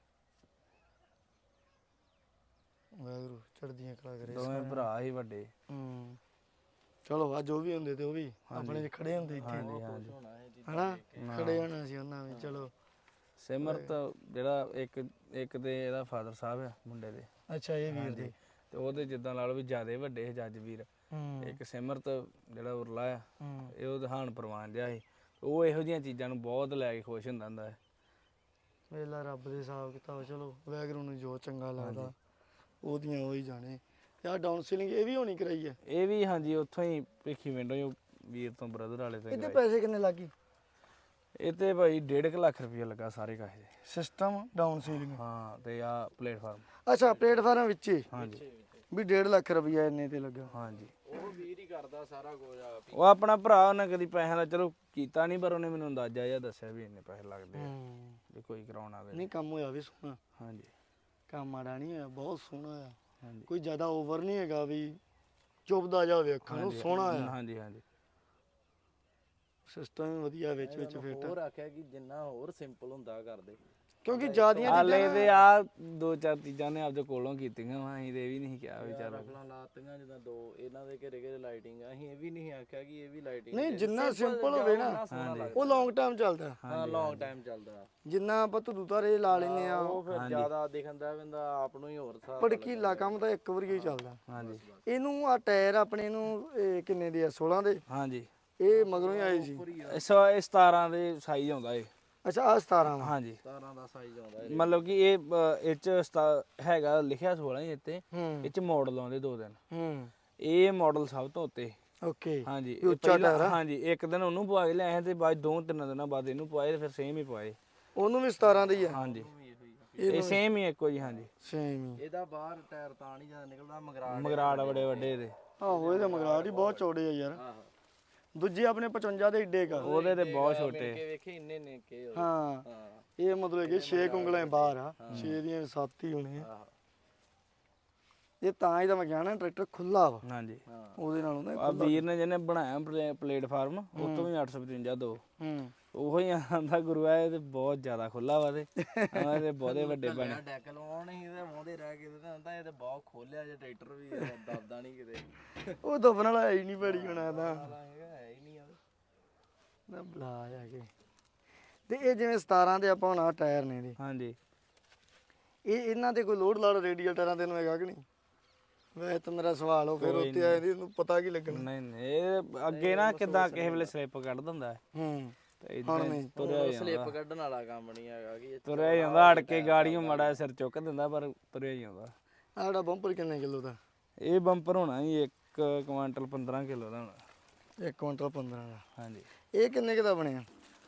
ਵਾਹਿਗੁਰੂ ਚੜ੍ਹਦੀਆਂ ਕਲਾ ਕਰੇ। ਦੋਵੇਂ ਭਰਾ ਹੀ ਵੱਡੇ। ਚਲੋ ਆ ਜੋ ਵੀ ਹੁੰਦੇ ਤੇ ਉਹ ਵੀ ਆਪਣੇ 'ਚ ਖੜੇ ਹੁੰਦੇ ਇੱਥੇ ਹਾਂਜੀ ਹਾਂਜੀ ਹਨਾ ਖੜੇ ਹੋਣਾ ਸੀ ਉਹਨਾਂ ਵੀ। ਚਲੋ ਸਿਮਰਤ ਜਿਹੜਾ ਇੱਕ ਤੇ ਇਹਦਾ ਫਾਦਰ ਸਾਹਿਬ ਆ ਮੁੰਡੇ ਦੇ ਅੱਛਾ ਇਹ ਵੀਰ ਦੇ ਤੇ ਉਹਦੇ ਜਿੱਦਾਂ ਲਾ ਲਓ ਵੀ ਜਿਆਦੇ ਵੱਡੇ ਸੀ ਜੱਜ ਵੀਰ। ਇੱਕ ਸਿਮਰਤ ਜਿਹੜਾ ਉਰਲਾ ਆ ਇਹ ਉਹ ਦਹਾਨ ਪ੍ਰਵਾਨ ਜਿਹਾ ਸੀ। ਉਹ ਇਹੋ ਜਿਹੀਆਂ ਚੀਜ਼ਾਂ ਨੂੰ ਬਹੁਤ ਲੈ ਕੇ ਖੁਸ਼ ਹੁੰਦਾ ਹੈ। ਵੇਲਾ ਰੱਬ ਦੇ ਹਿਸਾਬ ਕਿਤਾਬ। ਚਲੋ ਵਾਹਿਗੁਰੂ ਨੂੰ ਜੋ ਚੰਗਾ ਲੱਗਦਾ ਉਹਦੀਆਂ ਉਹ ਹੀ ਜਾਣੇ। ਤੇ ਆ ਡਾਊਨ ਸੀਲਿੰਗ ਇਹ ਵੀ ਹੋਣੀ ਕਰਾਈ ਹੈ? ਇਹ ਵੀ ਹਾਂਜੀ ਉੱਥੋਂ ਹੀ ਭਿੱਖੀ ਵਿੰਡੋ ਵੀਰ ਤੋਂ ਬ੍ਰਦਰ ਵਾਲੇ ਤੋਂ ਇਹਦੇ ਪੈਸੇ ਕਿੰਨੇ ਲੱਗੀ? ਇਹ ਤੇ ਭਾਈ 1.5 ਲੱਖ ਰੁਪਇਆ ਲੱਗਾ ਸਾਰੇ ਕਾਹੇ ਦੇ। ਸਿਸਟਮ ਡਾਊਨ ਸੀਲਿੰਗ ਹਾਂ ਤੇ ਆ ਪਲੇਟਫਾਰਮ ਅੱਛਾ ਪਲੇਟਫਾਰਮ ਵਿੱਚ ਹੀ ਹਾਂਜੀ ਵੀ 1.5 ਲੱਖ ਰੁਪਇਆ ਇੰਨੇ ਤੇ ਲੱਗਾ। ਹਾਂਜੀ ਉਹ ਵੀਰ ਹੀ ਕਰਦਾ ਸਾਰਾ ਕੁਝ ਆਪ ਹੀ। ਉਹ ਆਪਣਾ ਭਰਾ ਉਹਨੇ ਕਦੀ ਪੈਸਿਆਂ ਦਾ ਚਲੋ ਕੀਤਾ ਨਹੀਂ ਪਰ ਉਹਨੇ ਮੈਨੂੰ ਅੰਦਾਜ਼ਾ ਜਿਹਾ ਦੱਸਿਆ ਵੀ ਇੰਨੇ ਪੈਸੇ ਲੱਗਦੇ ਆ ਜੇ ਕੋਈ ਕਰਾਉਣਾ ਆਵੇ। ਨਹੀਂ ਕੰਮ ਹੋਇਆ ਵੀ ਸੋਹਣਾ। ਹਾਂਜੀ ਕੰਮ ਮਾੜਾ ਨਹੀਂ ਹੋਇਆ, ਬਹੁਤ ਸੋਹਣਾ ਹੋਇਆ। ਹਾਂਜੀ ਕੋਈ ਜ਼ਿਆਦਾ ਓਵਰ ਨਹੀਂ ਹੈਗਾ ਵੀ ਚੁੱਭਦਾ ਜਾਵੇ ਅੱਖਾਂ ਨੂੰ। ਸੋਹਣਾ ਆ। ਹਾਂਜੀ ਹਾਂਜੀ ਸਿਸਟਮ ਵੀ ਵਧੀਆ ਵਿੱਚ ਫਿੱਟ। ਹੋਰ ਆਖਿਆ ਕਿ ਜਿੰਨਾ ਹੋਰ ਸਿੰਪਲ ਹੁੰਦਾ ਕਰਦੇ ਕਿਉਂਕਿ ਜ਼ਿਆਦੀਆਂ ਹਾਲੇ ਤੇ ਆ 2-4 ਚੀਜ਼ਾਂ ਨੇ ਆਪਦੇ ਕੋਲੋਂ ਕੀਤੀਆਂ ਵਾ ਅਸੀਂ ਤੇ ਇਹ ਵੀ ਨਹੀਂ ਕਿਹਾ ਵੀ ਚੱਲ ਰਫਲਾਂ ਲਾਤੀਆਂ ਜਿੱਦਾਂ 2 ਇਹਨਾਂ ਦੇ ਘਰੇ ਘਰੇ ਲਾਈਟਿੰਗ। ਅਸੀਂ ਇਹ ਵੀ ਨਹੀਂ ਆਖਿਆ ਕਿ ਇਹ ਵੀ ਲਾਈਟਿੰਗ ਨਹੀਂ ਜਿੰਨਾ ਸਿੰਪਲ ਹੋਵੇ ਨਾ ਉਹ ਲੌਂਗ ਟਾਈਮ ਚੱਲਦਾ। ਹਾਂ ਲੌਂਗ ਟਾਈਮ ਚੱਲਦਾ। ਜਿੰਨਾ ਆਪਾਂ ਧੁੱਦੂ ਤਾਰੇ ਲਾ ਲੈਨੇ ਆ ਉਹ ਫਿਰ ਜ਼ਿਆਦਾ ਦਿਖਦਾ ਬੰਦਾ ਆਪ ਨੂੰ ਹੀ ਹੋਰ ਹਿਸਾਬ। ਭੜਕੀਲਾ ਕੰਮ ਤਾਂ ਇੱਕ ਵਾਰੀ ਹੀ ਚੱਲਦਾ। ਹਾਂਜੀ ਇਹਨੂੰ ਆ ਟਾਇਰ ਆਪਣੇ ਨੂੰ ਇਹ ਕਿੰਨੇ ਦੇ ਆ? 16 ਦੇ? ਹਾਂਜੀ ਇਹ ਮਗਰੋਂ ਹੀ ਆਏ ਸੀ। ਇਹ 17 ਦੇ ਸਾਈਜ਼ ਆਉਂਦਾ ਏ। ਅੱਛਾ ਆ 17 ਵਾ। ਹਾਂਜੀ 17 ਦਾ ਸਾਈਜ਼ ਆਉਂਦਾ ਮਤਲਬ ਕਿ ਇਹ ਚ ਹੈਗਾ ਲਿਖਿਆ 16 ਹੀ ਇੱਥੇ। ਇਹ ਚ ਮਾਡਲ ਆਉਂਦੇ 2 ਦਿਨ। ਇਹ ਮਾਡਲ ਸਭ ਤੋਂ ਉੱਤੇ। ਓਕੇ ਹਾਂਜੀ ਇਹ ਉੱਚਾ ਟਾਇਰ ਆ। ਹਾਂਜੀ ਇੱਕ ਦਿਨ ਉਹਨੂੰ ਪਵਾ ਕੇ ਲਿਆਏ ਤੇ ਬਾਅਦ 2-3 ਦਿਨਾਂ ਬਾਅਦ ਇਹਨੂੰ ਪਵਾਏ ਤੇ ਫਿਰ ਸੇਮ ਹੀ ਪਵਾਏ। ਉਹਨੂੰ ਵੀ 17 ਦਾ ਹੀ ਆ? ਹਾਂਜੀ ਇਹ ਸੇਮ ਹੀ ਇੱਕੋ ਜੀ। ਹਾਂਜੀ ਸੇਮ ਹੀ। ਇਹਦਾ ਬਾਹਰ ਟਾਇਰ ਤਾਂ ਨਹੀਂ ਜ਼ਿਆਦਾ ਨਿਕਲਦਾ। ਮਗਰਾੜ ਬੜੇ ਵੱਡੇ ਇਹਦੇ। ਆਹੋ ਇਹਦੇ ਮਗਰਾਟ ਹੀ ਬਹੁਤ ਚੌੜੇ ਆ ਯਾਰ। ਦੂਜੇ ਆਪਣੇ 55 ਦੇ ਏਡੇ ਕਾ। ਉਹਦੇ ਤੇ ਬਹੁਤ ਛੋਟੇ। ਵੇਖੇ ਇੰਨੇ ਨੇ ਕੇ ਹਾਂ ਇਹ ਮਤਲਬ ਕਿ 6 ਉਂਗਲਾਂ ਬਾਹਰ ਆ। 6 ਦੀਆਂ 7 ਹੀ ਹੋਣੀਆਂ। ਇਹ ਤਾਂ ਹੀ ਤਾਂ ਮੈਂ ਕਿਹਾ ਨਾ ਟਰੈਕਟਰ ਖੁੱਲਾ ਵਾ। ਹਾਂਜੀ ਉਹਦੇ ਨਾਲੋਂ ਨਾ ਆ ਵੀਰ ਨੇ ਜਿਹਨੇ ਬਣਾਇਆ ਪਲੇਟਫਾਰਮ ਉਹ ਤੋਂ ਵੀ 855 ਦੋ ਉਹੋ ਹੀ ਆਂਦਾ ਗੁਰੂ ਆ ਇਹ ਤੇ ਬਹੁਤ ਜ਼ਿਆਦਾ ਖੁੱਲਾ ਵਾ ਤੇ ਇਹਦੇ ਬਹੁਤੇ ਵੱਡੇ ਬਣੇ। ਡੈਕ ਲਵਾਉਣ ਹੀ ਤੇ ਮੋਹਦੇ ਰਹਿ ਕੇ ਤੇ ਹੁੰਦਾ ਇਹ ਤੇ ਬਹੁਤ ਖੋਲਿਆ ਜੇ ਟਰੈਕਟਰ ਵੀ ਦਬਦਾ ਨਹੀਂ ਕਿਤੇ। ਉਹ ਦਬਣ ਵਾਲਾ ਹੈ ਹੀ ਨਹੀਂ ਬੜੀ ਹੋਣਾ ਤਾਂ ਹੈ ਹੀ ਨਹੀਂ ਆ ਨਾ ਬਲਾ ਆ ਕੇ। ਤੇ ਇਹ ਜਿਵੇਂ 17 ਦੇ ਆਪਾਂ ਹੁਣ ਆਹ ਟਾਇਰ ਨੇ ਇਹਦੇ, ਹਾਂਜੀ ਇਹ ਇਹਨਾਂ ਤੇ ਕੋਈ ਲੋਡ ਲਾੜ ਰੇਡੀਅਲ ਟਾਇਰਾਂ ਤੇ ਨੂੰ ਹੈਗਾ ਕਿ ਨਹੀਂ? ਵੈਸੇ ਤਾਂ ਮੇਰਾ ਸਵਾਲ ਹੋ ਫਿਰ ਉੱਤੇ ਆਏ ਦੀ ਇਹਨੂੰ ਪਤਾ ਕੀ ਲੱਗਣਾ। ਨਹੀਂ ਨਹੀਂ ਇਹ ਅੱਗੇ ਨਾ ਕਿਦਾਂ ਕਿਸੇ ਵੇਲੇ ਸਲਿੱਪ ਕੱਢ ਦਿੰਦਾ ਤੇ ਇਦਾਂ ਤੁਰਿਆ ਜਾਂਦਾ। ਸਲਿੱਪ ਕੱਢਣ ਵਾਲਾ ਕੰਮ ਨਹੀਂ ਹੈਗਾ ਕਿ ਤੁਰਿਆ ਜਾਂਦਾ ਅੜ ਕੇ ਗਾੜੀਆਂ ਮਾੜਾ ਸਿਰ ਚੁੱਕ ਦਿੰਦਾ ਪਰ ਤੁਰਿਆ ਜਾਂਦਾ। ਆਹ ਸਾਡਾ ਬੰਪਰ ਕਿੰਨੇ ਕਿਲੋ ਦਾ? ਇਹ ਬੰਪਰ ਹੋਣਾ ਜੀ 1 ਕੁਆਂਟਲ 15 ਕਿਲੋ ਦਾ ਹੋਣਾ। 1 ਕੁਇੰਟਲ 15 ਦਾ। ਹਾਂਜੀ ਇਹ ਕਿੰਨੇ ਕੁ ਦਾ ਬਣਿਆ?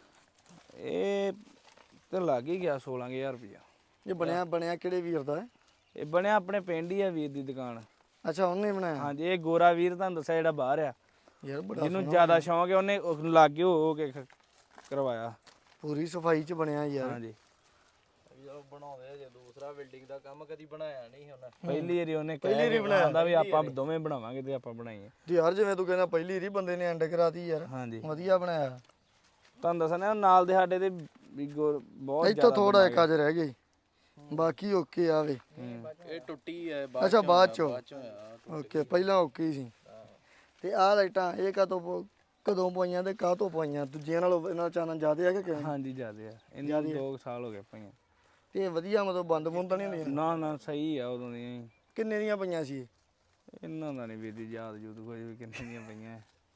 ਇਹ ਤੇ ਲੱਗ ਹੀ ਗਿਆ 16000 ਰੁਪਇਆ। ਇਹ ਬਣਿਆ ਕਿਹੜੇ ਵੀਰ ਦਾ? ਇਹ ਬਣਿਆ ਆਪਣੇ ਪਿੰਡ ਹੀ ਆ ਵੀਰ ਦੀ ਦੁਕਾਨ। ਅੱਛਾ ਉਹਨੇ ਬਣਾਇਆ? ਹਾਂਜੀ ਇਹ ਗੋਰਾ ਵੀਰ ਤੁਹਾਨੂੰ ਦੱਸਿਆ ਜਿਹੜਾ ਬਾਹਰ ਆ ਯਾਰ ਬੜਾ ਜਿਹਨੂੰ ਜ਼ਿਆਦਾ ਸ਼ੌਂਕ ਹੈ ਉਹਨੇ ਲਾਗੇ ਹੋ ਕੇ ਕਰਵਾਇਆ। ਪੂਰੀ ਸਫਾਈ ਚ ਬਣਿਆ ਯਾਰ। ਹਾਂਜੀ ਜਦੋਂ ਬਣਾਉਂਦੇ ਜੇ ਦੂਸਰਾ ਬਿਲਡਿੰਗ ਦਾ ਕੰਮ ਕਦੀ ਬਣਾਇਆ ਨਹੀਂ ਉਹਨੇ। ਪਹਿਲੀ ਵਾਰੀ ਉਹਨੇ ਕਹਿੰਦਾ ਵੀ ਆਪਾਂ ਦੋਵੇਂ ਬਣਾਵਾਂਗੇ ਤੇ ਆਪਾਂ ਬਣਾਈਏ। ਤੇ ਯਾਰ ਜਿਵੇਂ ਤੂੰ ਕਹਿੰਦਾ ਪਹਿਲੀ ਵਾਰੀ ਬੰਦੇ ਨੇ ਐਂਡ ਕਰਾਤੀ ਯਾਰ। ਹਾਂਜੀ ਵਧੀਆ ਬਣਾਇਆ। ਤੁਹਾਨੂੰ ਦੱਸਣਾ ਨਾਲ ਦੇ ਸਾਡੇ ਤੇ ਵੀ ਬਹੁਤ ਇੱਥੋਂ ਥੋੜਾ ਇੱਕ ਅੱਜ ਰਹਿ ਗਿਆ ਬਾਕੀ ਓਕੇ ਆਵੇ। ਇਹ ਟੁੱਟੀ ਹੈ ਅੱਛਾ ਬਾਅਦ ਚੋਂ ਹੋਇਆ। ਓਕੇ ਪਹਿਲਾਂ ਓਕੇ ਹੀ ਸੀ। ਤੇ ਆਹ ਲਾਈਟਾਂ ਇਹ ਕਦੋਂ ਪਵਾਈਆਂ ਤੇ ਕਾਹਤੋਂ ਪਵਾਈਆਂ? ਦੂਜਿਆਂ ਨਾਲੋਂ ਇਹਨਾਂ ਚਾਨਣ ਜ਼ਿਆਦਾ ਆ ਕਿ ਕਿਵੇਂ? ਹਾਂਜੀ ਜ਼ਿਆਦੇ ਆ ਇਹਨਾਂ 2 ਸਾਲ ਹੋ ਗਏ ਪਈਆਂ। ਤੇ ਵਧੀਆ ਮਤਲਬ ਬੰਦ ਬੁੰਦ ਨਹੀਂ ਹੁੰਦੀਆਂ? ਨਾ ਨਾ ਸਹੀ ਆ ਉਦੋਂ ਦੀਆਂ ਹੀ। ਕਿੰਨੇ ਦੀਆਂ ਪਈਆਂ ਸੀ ਇਹ? ਇਹਨਾਂ ਦਾ ਨਹੀਂ ਵੀਰ ਜੀ ਯਾਦ ਜੂਦ ਕੋਈ ਵੀ ਕਿੰਨੇ ਦੀਆਂ ਪਈਆਂ।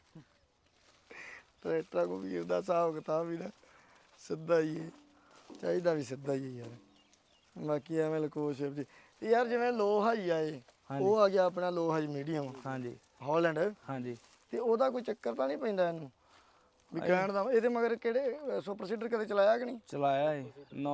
ਟਰੈਕਟਰਾਂ ਕੋ ਵੀਰ ਦਾ ਹਿਸਾਬ ਕਿਤਾਬ ਵੀ ਨਾ ਸਿੱਧਾ ਹੀ ਹੈ, ਚਾਹੀਦਾ ਵੀ ਸਿੱਧਾ ਹੀ ਹੈ ਯਾਰ। ਬਾਕੀ ਐਵੇਂ ਲਕੋਸ਼ਿਪ ਜੀ ਤੇ ਯਾਰ ਜਿਵੇਂ ਲੋ ਹਾਈ ਆਏ, ਉਹ ਆ ਗਿਆ ਆਪਣਾ ਲੋ ਹਾਈ ਮੀਡੀਅਮ ਹਾਂਜੀ ਹਾਲੈਂਡ, ਹਾਂਜੀ। ਤੇ ਉਹਦਾ ਕੋਈ ਚੱਕਰ ਤਾਂ ਨਹੀਂ ਪੈਂਦਾ ਇਹਨੂੰ ਵੀ ਕਹਿਣ ਦਾ? ਇਹਦੇ ਮਗਰ ਕਿਹੜੇ ਸੁਪਰ ਸੀਡਰ ਕਦੇ ਚਲਾਇਆ ਕਿ ਨਹੀਂ? ਚਲਾਇਆ ਸੀ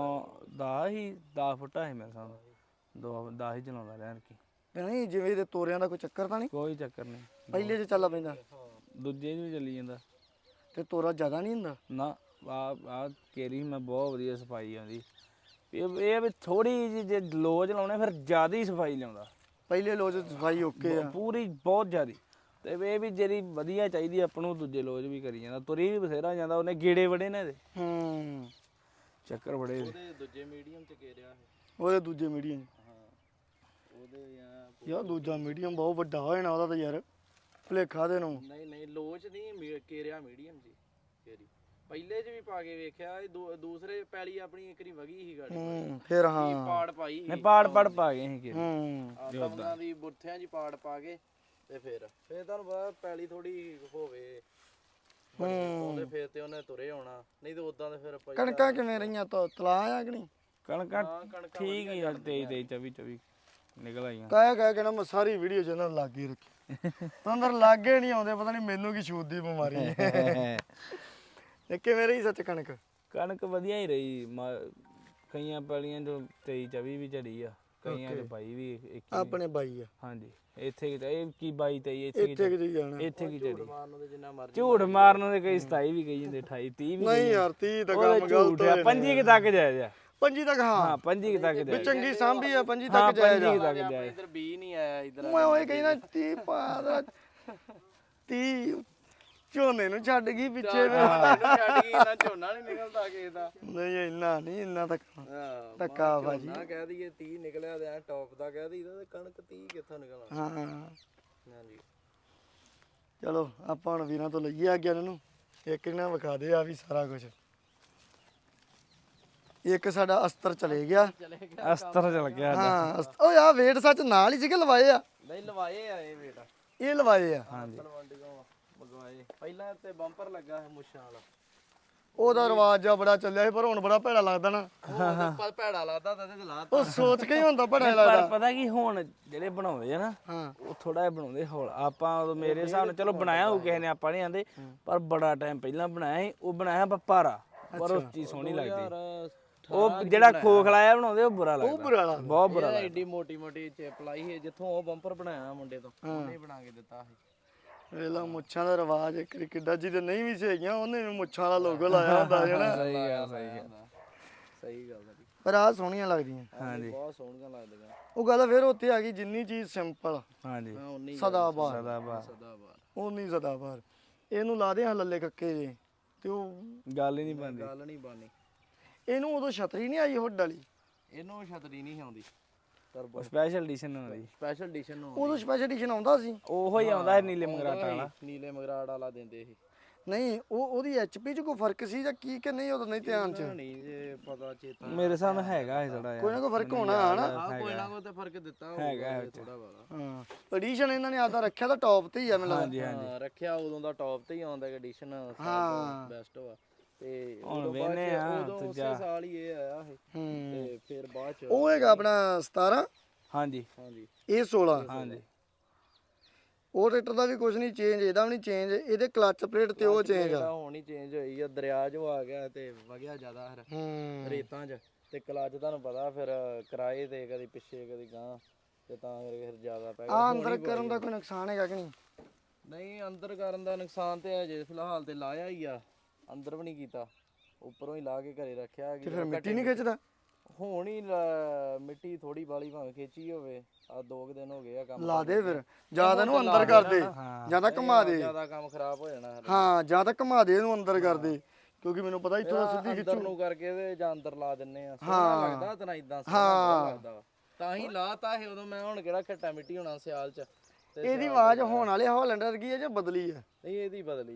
10 ਫੁੱਟਾ ਸੀ ਮੇਰੇ ਸਾਹਮਣੇ, 10 ਹੀ ਚਲਾਉਂਦਾ ਰਿਹਾ ਕਿ ਤੇ ਨਹੀਂ ਜਿਵੇਂ ਇਹਦੇ ਤੋਰਿਆਂ ਦਾ ਕੋਈ ਚੱਕਰ ਤਾਂ ਨਹੀਂ? ਕੋਈ ਚੱਕਰ ਨਹੀਂ। ਪਹਿਲੇ 'ਚ ਚੱਲਾ ਪੈਂਦਾ ਦੂਜੇ 'ਚ ਵੀ ਚੱਲੀ ਜਾਂਦਾ ਤੇ ਤੋਰਾ ਜ਼ਿਆਦਾ ਨਹੀਂ ਹੁੰਦਾ? ਨਾ। ਆ ਕੇਰੀ ਮੈਂ ਬਹੁਤ ਵਧੀਆ ਸਫਾਈ ਆਉਂਦੀ। ਇਹ ਵੀ ਥੋੜੀ ਜਿਹੀ ਜੇ ਲੋ ਚਲਾਉਣੇ ਫਿਰ ਜ਼ਿਆਦਾ ਹੀ ਸਫਾਈ ਲਿਆਉਂਦਾ। ਪਹਿਲੇ ਲੋਜ ਸਫਾਈ ਓਕੇ ਆ ਪੂਰੀ ਬਹੁਤ ਜ਼ਿਆਦੀ। ਤੇ ਇਹ ਵੀ ਜਿਹੜੀ ਵਧੀਆ ਚਾਹੀਦੀ ਆਪਾਂ ਨੂੰ ਦੂਜੇ ਲੋਜ ਵੀ ਕਰੀ ਜਾਂਦਾ, ਤੁਰੀ ਵੀ ਬਥੇਰਾ ਜਾਂਦਾ। ਉਹਨੇ ਗੇੜੇ ਬੜੇ ਨੇ ਇਹਦੇ, ਚੱਕਰ ਬੜੇ। ਉਹਦੇ ਦੂਜੇ ਮੀਡੀਅਮ ਚ ਘੇਰਿਆ ਹੈ। ਉਹਦੇ ਦੂਜੇ ਮੀਡੀਅਮ? ਹਾਂ ਉਹਦੇ ਯਾਰ ਦੂਜਾ ਮੀਡੀਅਮ ਬਹੁਤ ਵੱਡਾ ਹੋ ਜਾਣਾ ਉਹਦਾ ਤਾਂ ਯਾਰ, ਭੁਲੇਖਾ ਦੇ ਨੂੰ। ਨਹੀਂ ਲੋਚ ਨਹੀਂ ਘੇਰਿਆ ਮੀਡੀਅਮ ਜੀ ਘੇਰੀ। ਪਹਿਲੇ ਚ ਵੀ ਪਾ ਕੇ ਵੇਖਿਆ, ਇਹ ਦੂਸਰੇ ਪੈਲੀ ਆਪਣੀ ਇੱਕ ਰੀ ਵਗੀ ਸੀ ਗਾੜੀ। ਫਿਰ ਹਾਂ ਪਾੜ ਪਾਈ ਨਹੀਂ ਪਾੜ ਪਾ ਗਏ ਸੀ ਕਿ ਆਤਾਂ ਦੀ ਬੁੱਥਿਆਂ ਦੀ ਪਾੜ ਪਾ ਕੇ ਤੇ ਫਿਰ ਤੁਹਾਨੂੰ ਪਤਾ ਪੈਲੀ ਥੋੜੀ ਹੋਵੇ ਉਹਦੇ ਫੇਰ ਤੇ ਉਹਨੇ ਤੁਰੇ ਆਉਣਾ, ਨਹੀਂ ਤੇ ਉਦਾਂ ਦੇ ਫਿਰ ਕਣਕਾਂ ਕਿਵੇਂ ਰਹੀਆਂ? ਤਲਾ ਆ ਕਿ ਨਹੀਂ? ਕਣਕਾਂ ਠੀਕ ਹੀ ਆ, 23 24 ਨਿਕਲ ਆਈਆਂ। ਕਹਿ ਕੇ ਨਾ ਮੈਂ ਸਾਰੀ ਵੀਡੀਓ ਚ ਇਹਨਾਂ ਨੂੰ ਲਾਗੇ ਰੱਖੀ ਤਾਂ ਅੰਦਰ ਲਾਗੇ ਨਹੀਂ ਆਉਂਦੇ, ਪਤਾ ਨਹੀਂ ਮੈਨੂੰ ਕੀ ਛੂਤ ਦੀ ਬਿਮਾਰੀ ਹੈ। ਇਹ ਕਿਵੇਂ ਰਹੀ ਸੱਚ ਕਣਕ? ਕਣਕ ਵਧੀਆ ਹੀ ਰਹੀ। ਕਈਆਂ ਪੈਲੀਆਂ ਚੋਂ 23 24 ਵੀ ਝੜੀ ਆ, ਕਈਆਂ ਚ 22 ਵੀ 21। ਆਪਣੇ ਬਾਈ ਆ। ਹਾਂਜੀ ਇੱਥੇ ਇਹ ਕੀ 22 23 ਇੱਥੇ ਕਿ ਜਾਣਾ? ਇੱਥੇ ਕੀ ਝੜੀ? ਮਾਰਨ ਦੇ ਜਿੰਨਾ ਮਰਜ਼ੀ ਝੂਠ ਮਾਰਨ ਦੇ ਕਈ 27 ਵੀ ਕਹੀ ਜਾਂਦੇ, 28 30 ਵੀ। ਨਹੀਂ ਯਾਰ 30 ਤਾਂ ਉਹਦੇ ਕੰਮ ਗਲਤ ਝੂਠ ਆ। 25 ਕਿ ਤੱਕ ਜਾਇਜ਼ ਆ। 25 ਤੱਕ? ਹਾਂ ਹਾਂ 25 ਤੱਕ ਵੀ ਜਾਇਜ਼। ਚੰਗੀ ਸਾਂਭੀ ਆ 25 ਹਾਂ ਤੱਕ ਜਾਇਜ਼ 25 ਆ। ਤੱਕ ਜਾਇਜ਼। ਇਧਰ ਬੀ ਨਹੀਂ ਆਇਆ ਇਧਰ। ਮੈਂ ਉਹ ਕਹਿੰਦਾ 30 ਪਾ 30 ਝੋਨੇ ਨੂੰ ਛੱਡ ਗਈ ਪਿੱਛੇ। ਛੱਡ ਗਈ ਨਾ, ਝੋਨਾ ਨਹੀਂ ਨਿਕਲਦਾ ਕਿਸੇ ਦਾ। ਨਹੀਂ ਇੰਨਾ ਤੱਕ ਹਾਂ ਧੱਕਾ ਭਾਜੀ। ਨਾ ਕਹਿ ਦਈਏ 30 ਨਿਕਲਿਆ ਤੇ ਐ ਟੌਪ ਦਾ ਕਹਿ ਦਈਦਾ ਤੇ ਕਣਕ 30 ਕਿੱਥੋਂ ਨਿਕਲਣਾ। ਹਾਂ ਹਾਂਜੀ ਚਲੋ ਆਪਾਂ ਹੁਣ ਵੀਰਾਂ ਤੋਂ ਲਈਏ ਆਗਿਆ ਇਹਨਾਂ ਨੂੰ। ਇੱਕ ਨਾ ਵਿਖਾ ਦੇ ਆ ਵੀ ਸਾਰਾ ਕੁਝ। ਇੱਕ ਸਾਡਾ ਅਸਤਰ ਚਲੇ ਗਿਆ। ਅਸਤਰ ਚਲ ਗਿਆ। ਹਾਂ ਓਏ ਆ ਵੇਟ ਸੱਚ ਨਾਲ ਹੀ ਸੀਗੇ ਲਵਾਏ ਆ? ਨਹੀਂ ਲਵਾਏ ਆ ਇਹ ਬੇਟਾ, ਇਹ ਲਵਾਏ ਆ? ਹਾਂਜੀ ਤਲਵੰਡੀਆਂ ਮੰਗਵਾਏ। ਪਹਿਲਾਂ ਤੇ ਬੰਪਰ ਲੱਗਾ ਹੈ ਮੁੱਛਾਂ ਵਾਲਾ, ਉਹਦਾ ਰਿਵਾਜ ਆ ਬੜਾ ਚੱਲਿਆ ਸੀ, ਪਰ ਹੁਣ ਬੜਾ ਭੈੜਾ ਲੱਗਦਾ ਨਾ। ਉਹ ਭੈੜਾ ਲੱਗਦਾ ਤਾਂ ਤੇ ਲਾਤਾ। ਉਹ ਸੋਚ ਕੇ ਹੀ ਹੁੰਦਾ ਭੈੜਾ ਪਰ ਲੱਗਦਾ। ਪਤਾ ਕੀ ਹੁਣ ਜਿਹੜੇ ਬਣਾਉਂਦੇ ਆ ਨਾ, ਹਾਂ ਉਹ ਥੋੜਾ ਜਿਹਾ ਬਣਾਉਂਦੇ ਹੌਲ। ਆਪਾਂ ਉਦੋਂ ਮੇਰੇ ਹਿਸਾਬ ਨਾਲ ਚਲੋ ਬਣਾਇਆ ਹੋਊ ਕਿਸੇ ਨੇ, ਆਪਾਂ ਨਹੀਂ ਆਂਦੇ, ਪਰ ਬੜਾ ਟਾਈਮ ਪਹਿਲਾਂ ਬਣਾਇਆ ਸੀ। ਉਹ ਬਣਾਇਆ ਭਾਰਾ, ਪਰ ਉਹ ਚੀਜ਼ ਸੋਹਣੀ ਲੱਗਦੀ। ਉਹ ਜਿਹੜਾ ਖੋਖਲਾਇਆ ਬਣਾਉਂਦੇ ਉਹ ਬੁਰਾ ਲੱਗਦਾ, ਬੁਰਾ ਲੱਗਦਾ। ਬਹੁਤ ਬੁਰਾ ਲੱਗਦਾ। ਐਡੀ ਮੋਟੀ ਮੋਟੀ ਚਿਪ ਲਾਈ ਹੈ, ਜਿੱਥੋਂ ਉਹ ਬੰਪਰ ਬਣਾਇਆ ਮੁੰਡੇ ਤੋਂ ਉਹਨੇ ਬਣਾ ਕੇ ਦਿੱਤਾ ਸੀ। ਵੇਲਾ ਮੁੱਛਾਂ ਦਾ ਰਿਵਾਜ ਇੱਕ ਕਿੱਡਾ ਜਿਹਦੇ ਨਹੀਂ ਵੀ ਸੀਗੀਆਂ ਉਹਨੇ ਵੀ ਮੁੱਛਾਂ ਵਾਲਾ ਲੋਗੋ ਲਾਇਆ ਹੁੰਦਾ ਹੈ ਨਾ। ਸਹੀ ਗੱਲ ਸਹੀ ਗੱਲ ਸਹੀ ਗੱਲ ਹੈ, ਪਰ ਆਹ ਸੋਹਣੀਆਂ ਲੱਗਦੀਆਂ। ਹਾਂਜੀ ਬਹੁਤ ਸੋਹਣੀਆਂ ਲੱਗਦੀਆਂ। ਉਹ ਗੱਲ ਫਿਰ ਉੱਥੇ ਆ ਗਈ, ਜਿੰਨੀ ਚੀਜ਼ ਸਿੰਪਲ ਹਾਂਜੀ ਉਨੀ ਸਦਾਬਾਰ ਸਦਾਬਹਾਰ ਸਦਾਬਾਰ ਉਨੀ ਸਦਾਬਾਰ। ਇਹਨੂੰ ਲਾ ਦੇ ਹਾਂ ਲੱਲੇ ਕੱਕੇ ਜੇ ਤੇ ਉਹ ਗੱਲ ਹੀ ਨਹੀਂ ਬਣਦੀ। ਗੱਲ ਨਹੀਂ ਬਾਨੀ। ਇਹਨੂੰ ਉਦੋਂ ਛਤਰੀ ਨਹੀਂ ਆਈ ਹੁੱਡ ਵਾਲੀ? ਇਹਨੂੰ ਛਤਰੀ ਨਹੀਂ ਆਉਂਦੀ, ਟਰਬੋ ਸਪੈਸ਼ਲ ਐਡੀਸ਼ਨ ਹੁੰਦੀ। ਸਪੈਸ਼ਲ ਐਡੀਸ਼ਨ ਨੂੰ ਉਦੋਂ ਸਪੈਸ਼ਲ ਐਡੀਸ਼ਨ ਆਉਂਦਾ ਸੀ। ਉਹੋ ਹੀ ਆਉਂਦਾ ਹੈ ਨੀਲੇ ਮਗਰਾਟਾਂ ਵਾਲਾ। ਨੀਲੇ ਮਗਰਾੜ ਵਾਲਾ ਦਿੰਦੇ ਇਹ। ਨਹੀਂ ਉਹਦੀ ਐਚਪੀ ਚ ਕੋਈ ਫਰਕ ਸੀ ਜਾਂ ਕੀ ਕਿ ਨਹੀਂ? ਉਦੋਂ ਨਹੀਂ ਧਿਆਨ ਚ? ਨਹੀਂ ਜੇ ਪਤਾ ਚੇਤਾ ਮੇਰੇ ਹਿਸਾਬ ਨਾਲ ਹੈਗਾ ਇਹ ਥੋੜਾ ਕੋਈ ਨਾ ਕੋਈ ਫਰਕ ਹੋਣਾ ਹਨਾ। ਕੋਈ ਨਾ ਕੋਈ ਤੇ ਫਰਕ ਦਿੱਤਾ ਹੈਗਾ ਥੋੜਾ ਬਾਲਾ। ਹਾਂ ਐਡੀਸ਼ਨ ਇਹਨਾਂ ਨੇ ਆਦਾ ਰੱਖਿਆ ਤਾਂ ਟੌਪ ਤੇ ਹੀ ਆ ਮੈਨੂੰ ਲੱਗਦਾ। ਹਾਂਜੀ ਹਾਂਜੀ ਰੱਖਿਆ ਉਦੋਂ ਦਾ ਟੌਪ ਤੇ ਹੀ ਆਉਂਦਾ ਐਡੀਸ਼ਨ ਹਾਂ। ਬੈਸਟ ਵਾ। ਤੇ ਹੁਣ ਉਦੋਂ ਵੇਨੇ ਆ ਉਦੋਂ ਉਸੇ ਸਾਲ ਹੀ ਇਹ ਆਇਆ ਇਹ। ਤੇ ਫਿਰ ਬਾਅਦ ਚ ਉਹ ਹੈਗਾ ਆਪਣਾ 17। ਹਾਂਜੀ ਹਾਂਜੀ ਇਹ 16। ਹਾਂਜੀ ਉਹ ਟਰੈਕਟਰ ਦਾ ਵੀ ਕੁਝ ਨਹੀਂ ਚੇਂਜ, ਇਹਦਾ ਵੀ ਨਹੀਂ ਚੇਂਜ। ਇਹਦੇ ਕਲੱਚ ਪਲੇਟ ਤੇ ਉਹ ਚੇਂਜ ਆ। ਹੁਣ ਹੀ ਚੇਂਜ ਹੋਈ ਆ, ਦਰਿਆ ਜੋ ਆ ਗਿਆ ਤੇ ਵਗਿਆ ਜ਼ਿਆਦਾ ਫਿਰ ਰੇਤਾਂ 'ਚ। ਤੇ ਕਲੱਚ ਤੁਹਾਨੂੰ ਪਤਾ ਫਿਰ ਕਿਰਾਏ ਤੇ ਕਦੀ ਪਿੱਛੇ ਕਦੀ ਗਾਂ, ਤੇ ਤਾਂ ਕਰਕੇ ਫਿਰ ਜ਼ਿਆਦਾ ਪੈ ਗਿਆ। ਆ ਅੰਦਰ ਕਰਨ ਦਾ ਕੋਈ ਨੁਕਸਾਨ ਹੈਗਾ ਕਿ ਨਹੀਂ? ਨਹੀਂ ਅੰਦਰ ਕਰਨ ਦਾ ਨੁਕਸਾਨ ਤੇ ਅਜੇ ਫਿਲਹਾਲ ਤੇ ਲਾਇਆ ਹੀ ਆ, ਅੰਦਰ ਵੀ ਨਹੀਂ ਕੀਤਾ, ਉੱਪਰੋਂ ਹੀ ਲਾ ਕੇ ਘਰੇ ਰੱਖਿਆ। ਤੇ ਫਿਰ ਮਿੱਟੀ ਨਹੀਂ ਖਿੱਚਦਾ? ਹੁਣ ਹੀ ਮਿੱਟੀ ਥੋੜੀ ਬਾਲੀ ਭਾਵੇਂ ਖੇਚੀ ਹੋਵੇ। ਆ 2 ਦਿਨ ਹੋ ਗਏ ਆ ਕੰਮ ਲਾ ਦੇ ਫਿਰ, ਜਿਆਦਾ ਨੂੰ ਅੰਦਰ ਕਰ ਦੇ, ਜਿਆਦਾ ਘੁਮਾ ਦੇ। ਜ਼ਿਆਦਾ ਕੰਮ ਖਰਾਬ ਹੋ ਜਾਣਾ। ਹਾਂ ਜਿਆਦਾ ਘੁਮਾ ਦੇ ਇਹਨੂੰ ਅੰਦਰ ਕਰ ਦੇ, ਕਿਉਂਕਿ ਮੈਨੂੰ ਪਤਾ ਇੱਥੋਂ ਦਾ ਸਿੱਧੀ ਅੰਦਰ ਨੂੰ ਕਰਕੇ ਤੇ ਜਾਂ ਅੰਦਰ ਲਾ ਦਿੰਨੇ ਆ। ਸੋਹਣਾ ਲੱਗਦਾ ਤਾਂ ਇਦਾਂ ਸੋਹਣਾ ਲੱਗਦਾ, ਤਾਂ ਹੀ ਲਾਤਾ ਇਹ ਉਦੋਂ। ਮੈਂ ਹੁਣ ਕਿਹੜਾ ਘੱਟਾ ਮਿੱਟੀ ਹੋਣਾ ਸਿਆਲ 'ਚ। ਤੇ ਇਹਦੀ ਆਵਾਜ਼ ਹੋਣ ਵਾਲੇ ਹਾਲੈਂਡ ਵਰਗੀ ਹੈ ਜਾਂ ਬਦਲੀ ਹੈ? ਨਹੀਂ ਇਹਦੀ ਬਦਲੀ ਆ,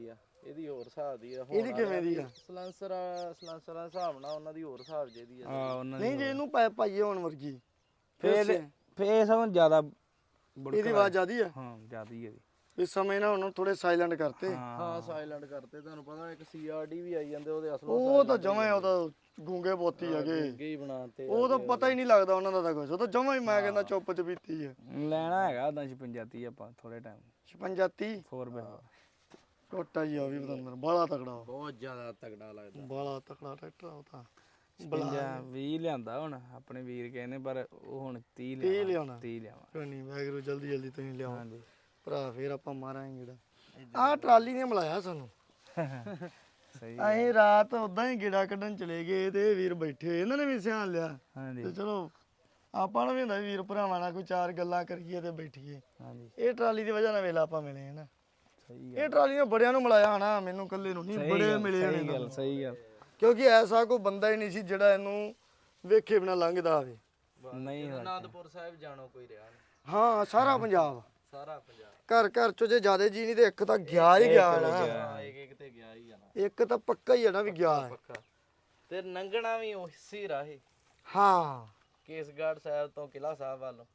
ਇਹਦੀ ਹੋਰ ਹਿਸਾਬ ਦੀ ਆ ਇਹਦੀ ਕਿਵੇਂ ਦੀ ਆ? ਸਲੈਂਸਰ ਦਾ ਹਿਸਾਬ ਨਾਲ ਉਹਨਾਂ ਦੀ ਹੋਰ ਹਿਸਾਬ ਜਿਹਦੀ ਆ ਹਾਂ ਉਹਨਾਂ ਨਹੀਂ ਜੇ ਇਹਨੂੰ ਪਾਈਏ ਹੋਣ ਵਰਗੀ ਫੇਰ ਸਗੋਂ ਜ਼ਿਆਦਾ ਇਹਦੀ ਆਵਾਜ਼ ਜ਼ਿਆਦੀ ਆ। ਹਾਂ ਜ਼ਿਆਦੀ ਇਹਦੀ ਇਸ ਸਮੇਂ ਨਾ ਉਹਨੂੰ ਥੋੜੇ ਸਾਇਲੈਂਟ ਕਰਤੇ। ਹਾਂ ਸਾਇਲੈਂਟ ਕਰਤੇ। ਤੁਹਾਨੂੰ ਪਤਾ ਇੱਕ ਸੀਆਰਡੀ ਵੀ ਆਈ ਜਾਂਦੇ ਉਹਦੇ ਅਸਲ ਉਹ ਤਾਂ ਜਮਾਂ ਉਹ ਤਾਂ ਗੂੰਗੇ ਪੋਤੀ ਹੈਗੇ, ਹੀ ਬਣਾਤੇ ਉਹ ਤਾਂ ਪਤਾ ਹੀ ਨਹੀਂ ਲੱਗਦਾ ਉਹਨਾਂ ਦਾ ਤਾਂ ਕੁਝ। ਉਹ ਤਾਂ ਜਮਾਂ ਹੀ ਮੈਂ ਕਹਿੰਦਾ ਚੁੱਪ ਚਪੀਤੀ ਹੈ। ਲੈਣਾ ਹੈਗਾ ਉਦਾਂ 56 ਆਪਾਂ ਥੋੜੇ ਟਾਈਮ 56 4x4 ਟੋਟਾ ਜੀ ਆ ਵੀ ਪਤੰਦਰ ਬਾਲਾ ਤਕੜਾ, ਬਹੁਤ ਜ਼ਿਆਦਾ ਤਗੜਾ ਲੱਗਦਾ। ਬਾਲਾ ਤਕੜਾ ਟਰੈਕਟਰ ਆ ਉਹ ਤਾਂ। 20 ਲਿਆਂਦਾ ਹੁਣ ਆਪਣੇ ਵੀਰ ਕਹਿੰਦੇ, ਪਰ ਉਹ ਹੁਣ 30 ਲਿਆਉਣਾ। 30 ਲਿਆਵਾਂ। ਕੋਈ ਨਹੀਂ ਵੈਗਰੂ ਜਲਦੀ ਜਲਦੀ ਤੁਸੀਂ ਲਿਆਓ ਹਾਂਜੀ ਭਰਾ, ਫੇਰ ਆਪਾਂ ਮਾਰਾਂਗੇ ਗੇੜਾ। ਆਹ ਟਰਾਲੀ ਨੇ ਮਿਲਾਇਆ ਸਾਨੂੰ। ਸਹੀ ਅਸੀਂ ਰਾਤ ਉਦਾਂ ਹੀ ਗੇੜਾ ਕੱਢਣ ਚਲੇ ਗਏ ਤੇ ਇਹ ਵੀਰ ਬੈਠੇ, ਇਹਨਾਂ ਨੇ ਵੀ ਸਿਆਣ ਲਿਆ ਹਾਂਜੀ ਤੇ ਚਲੋ ਆਪਾਂ ਨੂੰ ਵੀ ਹੁੰਦਾ ਵੀਰ ਭਰਾਵਾਂ ਨਾਲ ਕੋਈ ਚਾਰ ਗੱਲਾਂ ਕਰੀਏ ਤੇ ਬੈਠੀਏ। ਹਾਂਜੀ ਇਹ ਟਰਾਲੀ ਦੀ ਵਜ੍ਹਾ ਨਾਲ ਵੇਲਾ ਆਪਾਂ ਮਿਲੇ ਹਨਾ। ਸਹੀ ਇਹ ਟਰਾਲੀ ਨੇ ਬੜਿਆਂ ਨੂੰ ਮਿਲਾਇਆ ਹਨਾ, ਮੈਨੂੰ ਇਕੱਲੇ ਨੂੰ ਨਹੀਂ, ਬੜੇ ਮਿਲੇ ਨੇ। ਸਹੀ ਗੱਲ ਸਹੀ ਗੱਲ। ਕਿਉਂਕਿ ਐਸਾ ਕੋਈ ਬੰਦਾ ਹੀ ਨਹੀਂ ਸੀ ਜਿਹੜਾ ਇਹਨੂੰ ਵੇਖੇ ਬਿਨਾ ਲੰਘਦਾ ਆਵੇ। ਨਹੀਂ ਅਨੰਦਪੁਰ ਸਾਹਿਬ ਜਾਣੋ ਕੋਈ ਰਿਹਾ ਨਹੀਂ, ਹਾਂ ਸਾਰਾ ਪੰਜਾਬ, ਸਾਰਾ ਪੰਜਾਬ ਘਰ ਘਰ ਚੋਂ ਜੇ ਜ਼ਿਆਦਾ ਜੀ ਨਹੀਂ ਤੇ ਇੱਕ ਤਾਂ ਗਿਆ ਹੀ ਗਿਆ ਨਾ। ਹਾਂ ਇੱਕ ਤੇ ਗਿਆ ਹੀ ਜਾਣਾ, ਇੱਕ ਤਾਂ ਪੱਕਾ ਹੀ ਹੈ ਨਾ ਵੀ ਗਿਆ ਹੈ। ਪੱਕਾ। ਤੇ ਲੰਘਣਾ ਵੀ ਉਸੇ ਰਾਹੇ, ਹਾਂ ਕੇਸਗੜ੍ਹ ਸਾਹਿਬ ਤੋਂ ਕਿਲ੍ਹਾ ਸਾਹਿਬ ਵੱਲ।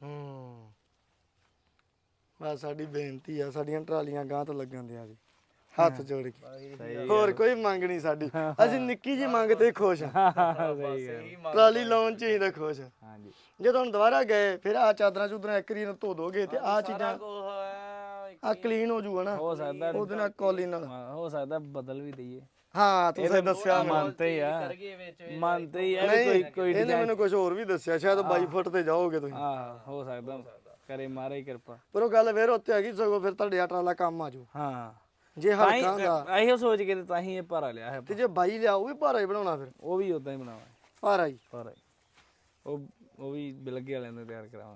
ਬਸ ਸਾਡੀ ਬੇਨਤੀ ਆ, ਸਾਡੀਆਂ ਟਰਾਲੀਆਂ ਗਾਂ ਤੋਂ ਲੱਗਣ ਦਿਆਂ ਜੀ, ਹੱਥ ਜੋੜ ਕੇ। ਹੋਰ ਕੋਈ ਮੰਗ ਨਹੀਂ ਸਾਡੀ, ਅਸੀਂ ਨਿੱਕੀ ਜੀ ਮੰਗ ਤੇ ਖੁਸ਼ ਹਾਂ। ਟਰਾਲੀ ਲਾਉਣ ਚ ਹੀ ਤਾਂ ਖੁਸ਼ ਹਾਂ। ਹਾਂਜੀ ਜਦੋਂ ਹੁਣ ਦੁਬਾਰਾ ਗਏ ਫਿਰ ਆ ਚਾਦਰਾਂ ਚੂਦਰਾਂ ਇੱਕ ਰੀ ਨੂੰ ਧੋ ਦੋਗੇ ਤੇ ਆ ਚੀਜ਼ਾਂ ਆ ਕਲੀਨ ਹੋ ਜੂਗਾ ਨਾ, ਹੋ ਸਕਦਾ ਉਹਦੇ ਨਾਲ ਕੋਲੀ ਨਾਲ। ਹੋ ਸਕਦਾ ਬਦਲ ਵੀ ਦਈਏ। ਹਾਂ ਤੁਸੀਂ ਦੱਸਿਆ ਮੰਨਤੇ ਹੀ ਆ, ਮੰਨਤੇ ਹੀ ਆ ਵੀ ਕੋਈ ਕੋਈ ਇਹਨੇ ਮੈਨੂੰ ਕੁਝ ਹੋਰ ਵੀ ਦੱਸਿਆ, ਸ਼ਾਇਦ 22 ਫੁੱਟ ਤੇ ਜਾਓਗੇ ਤੁਸੀਂ। ਹਾਂ ਹੋ ਸਕਦਾ, ਕਰੇ ਮਾਰੇ ਕਿਰਪਾ। ਪਰ ਉਹ ਗੱਲ ਫੇਰ ਉੱਤੇ ਹੈਗੀ, ਸਗੋਂ ਫਿਰ ਤੁਹਾਡੇ ਟਰਾਲਾ ਕੰਮ ਆ ਜੂ ਹਾਂ ਜੇ ਹਲਕਾ ਹੁੰਦਾ। ਇਹੋ ਸੋਚ ਕੇ ਤਾਂ ਹੀ ਇਹ ਭਾਰਾ ਲਿਆ ਹੈ। ਤੇ ਜੇ 22 ਲਿਆ ਉਹ ਵੀ ਭਾਰਾ ਹੀ ਬਣਾਉਣਾ, ਫਿਰ ਉਹ ਵੀ ਉਦਾਂ ਹੀ ਬਣਾਵਾਂ ਭਾਰਾ ਹੀ। ਭਾਰਾ ਹੀ ਉਹ ਵੀ ਬਿਲਗੇ ਵਾਲਿਆਂ ਦੇ ਤਿਆਰ ਕਰਾਵਾਂ।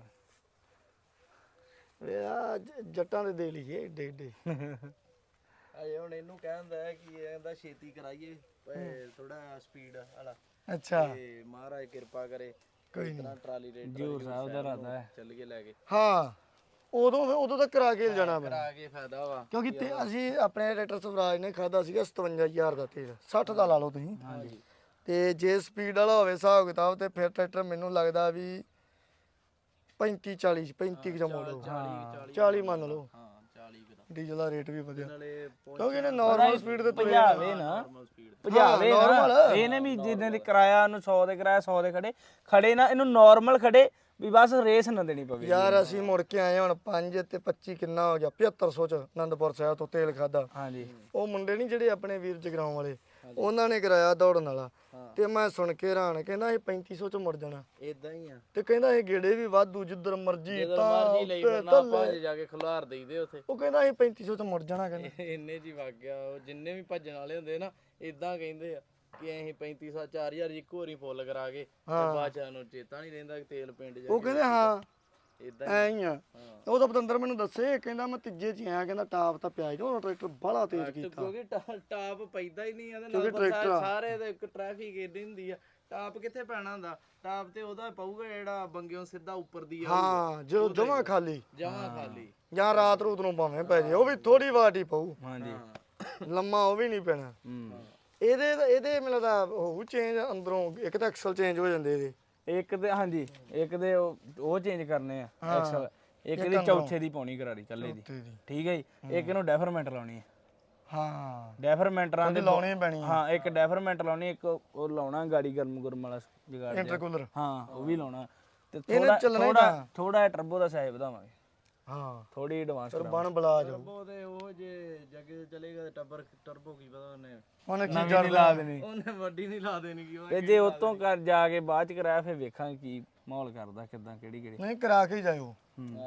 ਵੇ ਆ ਜੱਟਾਂ ਦੇ ਦੇ ਲਈਏ ਏਡੇ ਏਡੇ। ਅਜੇ ਹੁਣ ਇਹਨੂੰ ਕਹਿੰਦਾ ਹੈ ਕਿ ਇਹਦਾ ਛੇਤੀ ਕਰਾਈਏ, ਥੋੜਾ ਸਪੀਡ ਵਾਲਾ। ਅੱਛਾ ਤੇ ਮਹਾਰਾਜ ਕਿਰਪਾ ਕਰੇ, ਕੋਈ ਇਤਨਾ ਟਰਾਲੀ ਰੇਟ ਜੂਰ ਸਾਹਿਬ ਦਾ ਇਰਾਦਾ ਹੈ ਚੱਲ ਕੇ ਲੈ ਕੇ। ਹਾਂ ਉਦੋਂ ਤੱਕ ਕਰਾ ਕੇ ਜਾਣਾ ਪੈਣਾ, ਕਰਾ ਕੇ ਫਾਇਦਾ ਵਾ। ਕਿਉਂਕਿ ਅਸੀਂ ਆਪਣੇ ਟਰੈਕਟਰ ਸਵਰਾਜ ਨੇ ਖਾਦਾ ਸੀਗਾ 57000 ਦਾ ਤੇਲ, 60 ਦਾ ਲਾ ਲਓ ਤੁਸੀਂ। ਹਾਂਜੀ ਤੇ ਜੇ ਸਪੀਡ ਵਾਲਾ ਹੋਵੇ ਹਿਸਾਬ ਕਿਤਾਬ ਤੇ ਫਿਰ ਟਰੈਕਟਰ ਮੈਨੂੰ ਲੱਗਦਾ ਵੀ 35 40 ਜਾਂ ਮੋੜੋ 40 ਮੰਨ ਲਓ। ਹਾਂ 40 ਦਾ ਡੀਜ਼ਲ ਦਾ ਰੇਟ ਵੀ ਵਧੀਆ, ਨਾਲੇ ਕਿਉਂਕਿ ਇਹਨੇ ਨਾਰਮਲ ਸਪੀਡ ਤੇ ਤੁਰੇ ਭਜਾਵੇ ਨਾ ਭਜਾਵੇ ਨਾ। ਇਹਨੇ ਵੀ ਜਿੱਦਾਂ ਦੀ ਕਿਰਾਇਆ ਨੂੰ 100 ਦੇ ਕਿਰਾਇਆ 100 ਦੇ ਖੜੇ ਨਾ, ਇਹਨੂੰ ਨਾਰਮਲ ਖੜੇ ਵੀ ਬਸ ਰੇਸ ਨਾ ਦੇਣੀ ਪਵੇ। ਯਾਰ ਅਸੀਂ ਮੁੜ ਕੇ ਆਏ ਹੁਣ 5 ਤੇ 25 ਕਿੰਨਾ ਹੋ ਗਿਆ 7500 ਚ ਆਨੰਦਪੁਰ ਸਾਹਿਬ ਤੋਂ ਤੇਲ ਖਾਦਾ। ਹਾਂਜੀ ਉਹ ਮੁੰਡੇ ਨਹੀਂ ਜਿਹੜੇ ਆਪਣੇ ਵੀਰ ਜਗਰਾਉਂ ਵਾਲੇ, ਉਹਨਾਂ ਨੇ ਕਰਾਇਆ ਦੌੜਨ ਵਾਲਾ, ਤੇ ਮੈਂ ਸੁਣ ਕੇ ਹੈਰਾਨ, ਕਹਿੰਦਾ ਇਹ 3500 ਚ ਮੁੜ ਜਾਣਾ। ਇਦਾਂ ਹੀ ਆ, ਤੇ ਕਹਿੰਦਾ ਇਹ ਗੇੜੇ ਵੀ ਵਾਧੂ ਜਿੱਧਰ ਮਰਜੀ ਮਰਜੀ ਲਈ ਫਿਰਨਾ, ਆਪਾਂ ਜਾ ਕੇ ਖੁਲਾਰ ਦੇਈਦੇ ਉੱਥੇ। ਉਹ ਕਹਿੰਦਾ ਇਹ 3500 ਚ ਮੁੜ ਜਾਣਾ, ਕਹਿੰਦਾ ਇੰਨੇ ਜੀ ਵਗ ਗਿਆ। ਉਹ ਜਿੰਨੇ ਵੀ ਭੱਜਣ ਵਾਲੇ ਹੁੰਦੇ ਨਾ ਇਦਾਂ ਕਹਿੰਦੇ ਆ ਕਿ ਅਸੀਂ 3500 4000 ਇੱਕੋ ਵਾਰੀ ਫੁੱਲ ਕਰਾ ਕੇ ਤੇ ਬਾਅਦ ਚ ਨੂੰ ਚੇਤਾ ਨਹੀਂ ਰਹਿੰਦਾ ਕਿ ਤੇਲ ਪਿੰਡ ਜਾ ਉਹ ਕਹਿੰਦੇ ਹਾਂ ਇਦਾਂ ਐ ਹੀ ਆ। ਉਹ ਤਾਂ ਪਤੰਦਰ ਮੈਨੂੰ ਦੱਸੇ, ਕਹਿੰਦਾ ਮੈਂ ਤੀਜੇ ਚ ਆਇਆ, ਕਹਿੰਦਾ ਟਾਪ ਤਾਂ ਪਿਆ ਹੀ ਉਹ ਟਰੈਕਟਰ ਬੜਾ ਤੇਜ਼ ਕੀਤਾ। ਕਿਉਂਕਿ ਟਾਪ ਪੈਂਦਾ ਹੀ ਨਹੀਂ ਇਹਦੇ ਨਾਲ, ਸਾਰੇ ਦੇ ਇੱਕ ਟ੍ਰੈਫਿਕ ਏਡੀ ਹੁੰਦੀ ਆ, ਟਾਪ ਕਿੱਥੇ ਪੈਣਾ ਹੁੰਦਾ। ਟਾਪ ਤੇ ਉਹਦਾ ਪਊਗਾ ਜਿਹੜਾ ਬੰਗਿਓ ਸਿੱਧਾ ਉੱਪਰ ਦੀ ਆ। ਹਾਂ ਜਦੋਂ ਜਮਾ ਖਾਲੀ ਖਾਲੀ ਜਾਂ ਰਾਤ ਰੂਤ ਨੂੰ ਭਾਵੇਂ ਪੈ ਜੇ, ਉਹ ਵੀ ਥੋੜੀ ਵਾਟ ਹੀ ਪਊ, ਹਾਂਜੀ ਲੰਮਾ ਉਹ ਵੀ ਨਹੀਂ ਪੈਣਾ। ਇਹਦੇ ਮੈਨੂੰ ਲੱਗਦਾ ਹੋਊ ਚੇਂਜ ਅੰਦਰੋਂ, ਇੱਕ ਤਾਂ ਐਕਸਲ ਚੇਂਜ ਹੋ ਜਾਂਦੇ ਇਹਦੇ, ਇੱਕ ਦੇ ਹਾਂਜੀ ਇੱਕ ਦੇ ਉਹ ਚੇਂਜ ਕਰਨੇ ਆ ਐਕਸਲ, ਇੱਕ ਦੀ ਚੌਥੇ ਦੀ ਪਾਉਣੀ ਕਰਾਰੀ ਕੱਲੇ ਦੀ, ਠੀਕ ਹੈ ਜੀ। ਇੱਕ ਨੂੰ ਡੈਫਰਮੈਂਟ ਲਾਉਣੀ ਹੈ। ਹਾਂ ਡੈਫਰਮੈਂਟਰਾਂ ਦੇ ਲਾਉਣੀ ਪੈਣੀ, ਹਾਂ ਇੱਕ ਡੈਫਰਮੈਂਟ ਲਾਉਣੀ, ਇੱਕ ਉਹ ਲਾਉਣਾ ਗਾੜੀ ਗਰਮ ਵਾਲਾ ਜਗਾੜ, ਇੰਟਰਕੂਲਰ, ਹਾਂ ਉਹ ਵੀ ਲਾਉਣਾ। ਤੇ ਥੋੜਾ ਟਰਬੋ ਦਾ ਸਾਈਜ਼ ਵਧਾਵਾਂਗੇ, ਹਾਂ ਥੋੜੀ ਐਡਵਾਂਸ ਫਿਰ ਬਣ ਬਲਾ ਜਾਓ। ਟਰਬੋ ਦੇ ਉਹ ਜੇ ਜੱਗੇ ਚਲੇਗਾ ਤੇ ਟਰਬੋ ਕੀ ਪਤਾ ਉਹਨੇ ਕੀ ਨਵੀਂ ਲਾ ਦੇਣੀ, ਉਹਨੇ ਵੱਡੀ ਨਹੀਂ ਲਾ ਦੇਣੀ ਕਿ ਤੇ ਜੇ ਉਤੋਂ ਕਰ ਜਾ ਕੇ ਬਾਅਦ ਚ ਕਰਾਇਆ ਫਿਰ ਵੇਖਾਂਗੇ ਕੀ ਮਾਹੌਲ ਕਰਦਾ, ਕਿਦਾਂ ਕਿਹੜੀ ਨਹੀਂ ਕਰਾ ਕੇ ਜਾਇਓ।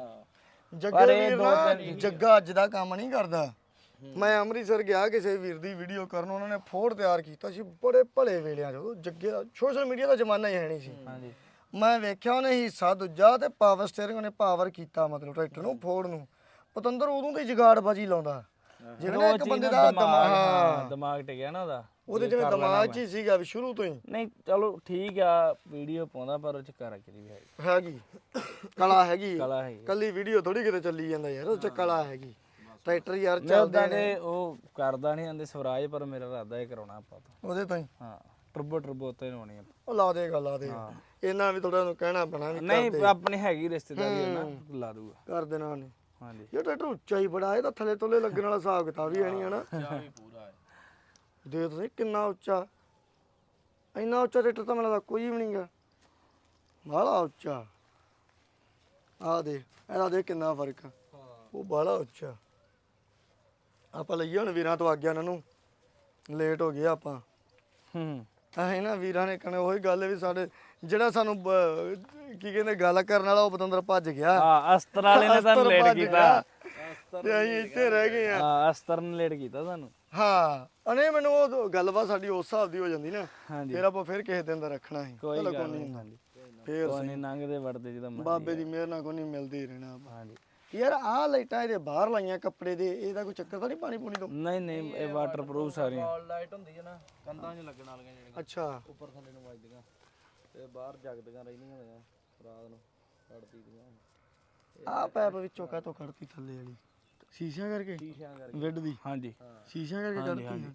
ਹਾਂ ਜੱਗੇ ਵੀਰ ਨਾ ਜੱਗਾ ਅੱਜ ਦਾ ਕੰਮ ਨਹੀਂ ਕਰਦਾ। ਮੈਂ ਅੰਮ੍ਰਿਤਸਰ ਗਿਆ ਕਿਸੇ ਵੀਰ ਦੀ ਵੀਡੀਓ ਕਰਨ, ਉਹਨਾਂ ਨੇ ਫੋੜ ਤਿਆਰ ਕੀਤਾ ਸੀ ਬੜੇ ਭਲੇ ਵੇਲਿਆਂ ਚ, ਜੱਗੇ ਸੋਸ਼ਲ ਮੀਡੀਆ ਦਾ ਜ਼ਮਾਨਾ ਹੀ ਹੈ ਨਹੀਂ ਸੀ। ਹਾਂਜੀ ਮੈਂ ਵੇਖਿਆ ਉਹਨੇ ਹਿੱਸਾ ਦੂਜਾ ਤੇ ਪਾਵਰ ਸਟੀਅਰਿੰਗ ਉਹਨੇ ਪਾਵਰ ਕੀਤਾ, ਮਤਲਬ ਟਰੈਕਟਰ ਨੂੰ ਫੋੜ ਨੂੰ ਪਤੰਦਰ ਉਦੋਂ ਦੀ ਜਗਾੜਬਾਜੀ ਲਾਉਂਦਾ, ਜਿਵੇਂ ਨਾ ਇੱਕ ਬੰਦੇ ਦਾ ਦਿਮਾਗ ਟਿਕਿਆ ਨਾ ਉਹਦੇ ਜਿਵੇਂ ਦਿਮਾਗ 'ਚ ਹੀ ਸੀਗਾ ਵੀ ਸ਼ੁਰੂ ਤੋਂ ਹੀ। ਨਹੀਂ ਚਲੋ ਠੀਕ ਆ, ਵੀਡੀਓ ਪਾਉਂਦਾ ਪਰ ਉਹ ਚ ਕਾਰਾਗਰੀ ਵੀ ਹੈਗੀ, ਕਲਾ ਹੈਗੀ, ਕਲਾ ਹੈਗੀ, ਕੱਲੀ ਵੀਡੀਓ ਥੋੜੀ ਕਿਤੇ ਚੱਲੀ ਜਾਂਦਾ ਯਾਰ, ਉਹ 'ਚ ਕਲਾ ਹੈਗੀ। ਟਰੈਕਟਰ ਯਾਰ ਮੈਂ ਚੱਲਦੇ ਉਦਾਂ ਦੇ ਉਹ ਕਰਦਾ ਨਹੀਂ ਆਂਦੇ ਸਵਰਾਜ, ਪਰ ਮੇਰਾ ਇਰਾਦਾ ਇਹ ਕਰਾਉਣਾ ਆਪਾਂ ਤਾਂ। ਉਹਦੇ ਤੋਂ ਹੀ ਹਾਂ ਟਰਬੋ ਉੱਤੇ ਲਾਉਣੀ ਆਪਾਂ। ਉਹ ਲਾ ਦੇਗਾ ਲਾ ਦੇਗਾ, ਇਹਨਾਂ ਵੀ ਥੋੜਾ ਕਹਿਣਾ ਪੈਣਾ ਵੀ ਨਹੀਂ ਆਪਣੀ ਹੈਗੀ ਰਿਸ਼ਤੇਦਾਰੀ ਹੈ ਨਾ, ਲਾ ਦੂਗਾ ਕਰ ਦੇਣਾ ਉਹਨੇ। ਹਾਂਜੀ ਇਹ ਟਰੈਕਟਰ ਉੱਚਾ ਹੀ ਬੜਾ, ਇਹ ਤਾਂ ਥੱਲੇ ਤੋਲੇ ਲੱਗਣ ਵਾਲਾ ਹਿਸਾਬ ਕਿਤਾਬ ਹੀ ਹੈ ਨਹੀਂ ਹਨਾ। ਜਾ ਵੀ ਪੂਰਾ ਹੈ। ਦੇਖ ਤੁਸੀਂ ਕਿੰਨਾ ਉੱਚਾ, ਇੰਨਾ ਉੱਚਾ ਟਰੈਕਟਰ ਤਾਂ ਮੈਨੂੰ ਲੱਗਦਾ ਕੋਈ ਵੀ ਨਹੀਂਗਾ, ਬਾਹਲਾ ਉੱਚਾ। ਆਹ ਦੇਖ ਇਹਦਾ ਦੇਖ ਕਿੰਨਾ ਫਰਕ ਆ, ਉਹ ਬਾਹਲਾ ਉੱਚਾ। ਆਪਾਂ ਲਈਏ ਹੁਣ ਵੀਰਾਂ ਤੋਂ ਆਗਿਆ, ਇਹਨਾਂ ਨੂੰ ਲੇਟ ਹੋ ਗਏ ਆਪਾਂ। ਅਸੀਂ ਨਾ ਵੀਰਾਂ ਨੇ ਕਹਣਾ ਉਹੀ ਗੱਲ ਵੀ ਸਾਡੇ ਜਿਹੜਾ ਸਾਨੂੰ ਕੀ ਕਹਿੰਦੇ ਗੱਲ ਕਰਨ ਵਾਲਾ ਉਹ ਪਤੰਦਰ ਭੱਜ ਗਿਆ। ਹਾਂ ਅਸਤਰ ਵਾਲੇ ਨੇ ਤੁਹਾਨੂੰ ਲੇਟ ਕੀਤਾ ਤੇ ਅਸੀਂ ਇੱਥੇ ਰਹਿ ਗਏ ਆ। ਹਾਂ ਅਸਤਰ ਨੇ ਲੇਟ ਕੀਤਾ ਤੁਹਾਨੂੰ। ਹਾਂ ਅਨੇ ਮੈਨੂੰ ਉਹ ਗੱਲਬਾਤ ਸਾਡੀ ਉਸ ਹਿਸਾਬ ਦੀ ਹੋ ਜਾਂਦੀ ਨਾ, ਹਾਂਜੀ ਫਿਰ ਆਪਾਂ ਫਿਰ ਕਿਸੇ ਦਿਨ ਦਾ ਰੱਖਣਾ ਸੀ। ਕੋਈ ਚਲੋ ਗੱਲ ਨਹੀਂ ਨਹੀਂ। ਹੁੰਦਾ, ਫੇਰ ਕੋਈ ਨਹੀਂ ਲੰਘਦੇ ਵੜਦੇ ਜਦੋਂ ਮਰਜ਼ੀ। ਬਾਬੇ ਦੀ ਮਿਹਰ ਨਾਲ ਕੋਈ ਨਹੀਂ ਮਿਲਦੇ ਹੀ ਰਹਿਣਾ ਆਪਾਂ। ਹਾਂਜੀ ਯਾਰ ਆਹ ਲਾਈਟਾਂ ਇਹਦੇ ਬਾਹਰ ਲਾਈਆਂ ਕੱਪੜੇ ਦੇ, ਇਹਦਾ ਕੋਈ ਚੱਕਰ ਤਾਂ ਨਹੀਂ ਪਾਣੀ ਪੂਣੀ ਤੋਂ? ਨਹੀਂ ਨਹੀਂ ਇਹ ਵਾਟਰਪ੍ਰੂਫ ਸਾਰੀਆਂ। ਵਾਲ ਲਾਈਟ ਹੁੰਦੀ ਹੈ ਨਾ, ਕੰਧਾਂ 'ਚ ਲੱਗਣ ਵਾਲੀਆਂ ਜਿਹੜੀਆਂ ਅੱਛਾ ਉੱਪਰ ਥੱਲੇ ਨੂੰ ਵੱਜਦੀਆਂ ਤੇ ਬਾਹਰ ਜਗਦੀਆਂ ਰਹਿੰਦੀਆਂ ਨੇ ਰਾਤ ਨੂੰ ਲੜਦੀ ਦੀਆਂ। ਆਹ ਪੈਪ ਵਿੱਚੋਂ ਕਾਹਤੋਂ ਕੱਢਤੀ ਥੱਲੇ ਵਾਲੀ? ਸ਼ੀਸ਼ਿਆਂ ਕਰਕੇ, ਸ਼ੀਸ਼ਿਆਂ ਕਰਕੇ। ਵਿੱਡ ਦੀ ਹਾਂਜੀ ਸ਼ੀਸ਼ਿਆਂ ਕਰਕੇ ਕੱਢਤੀ।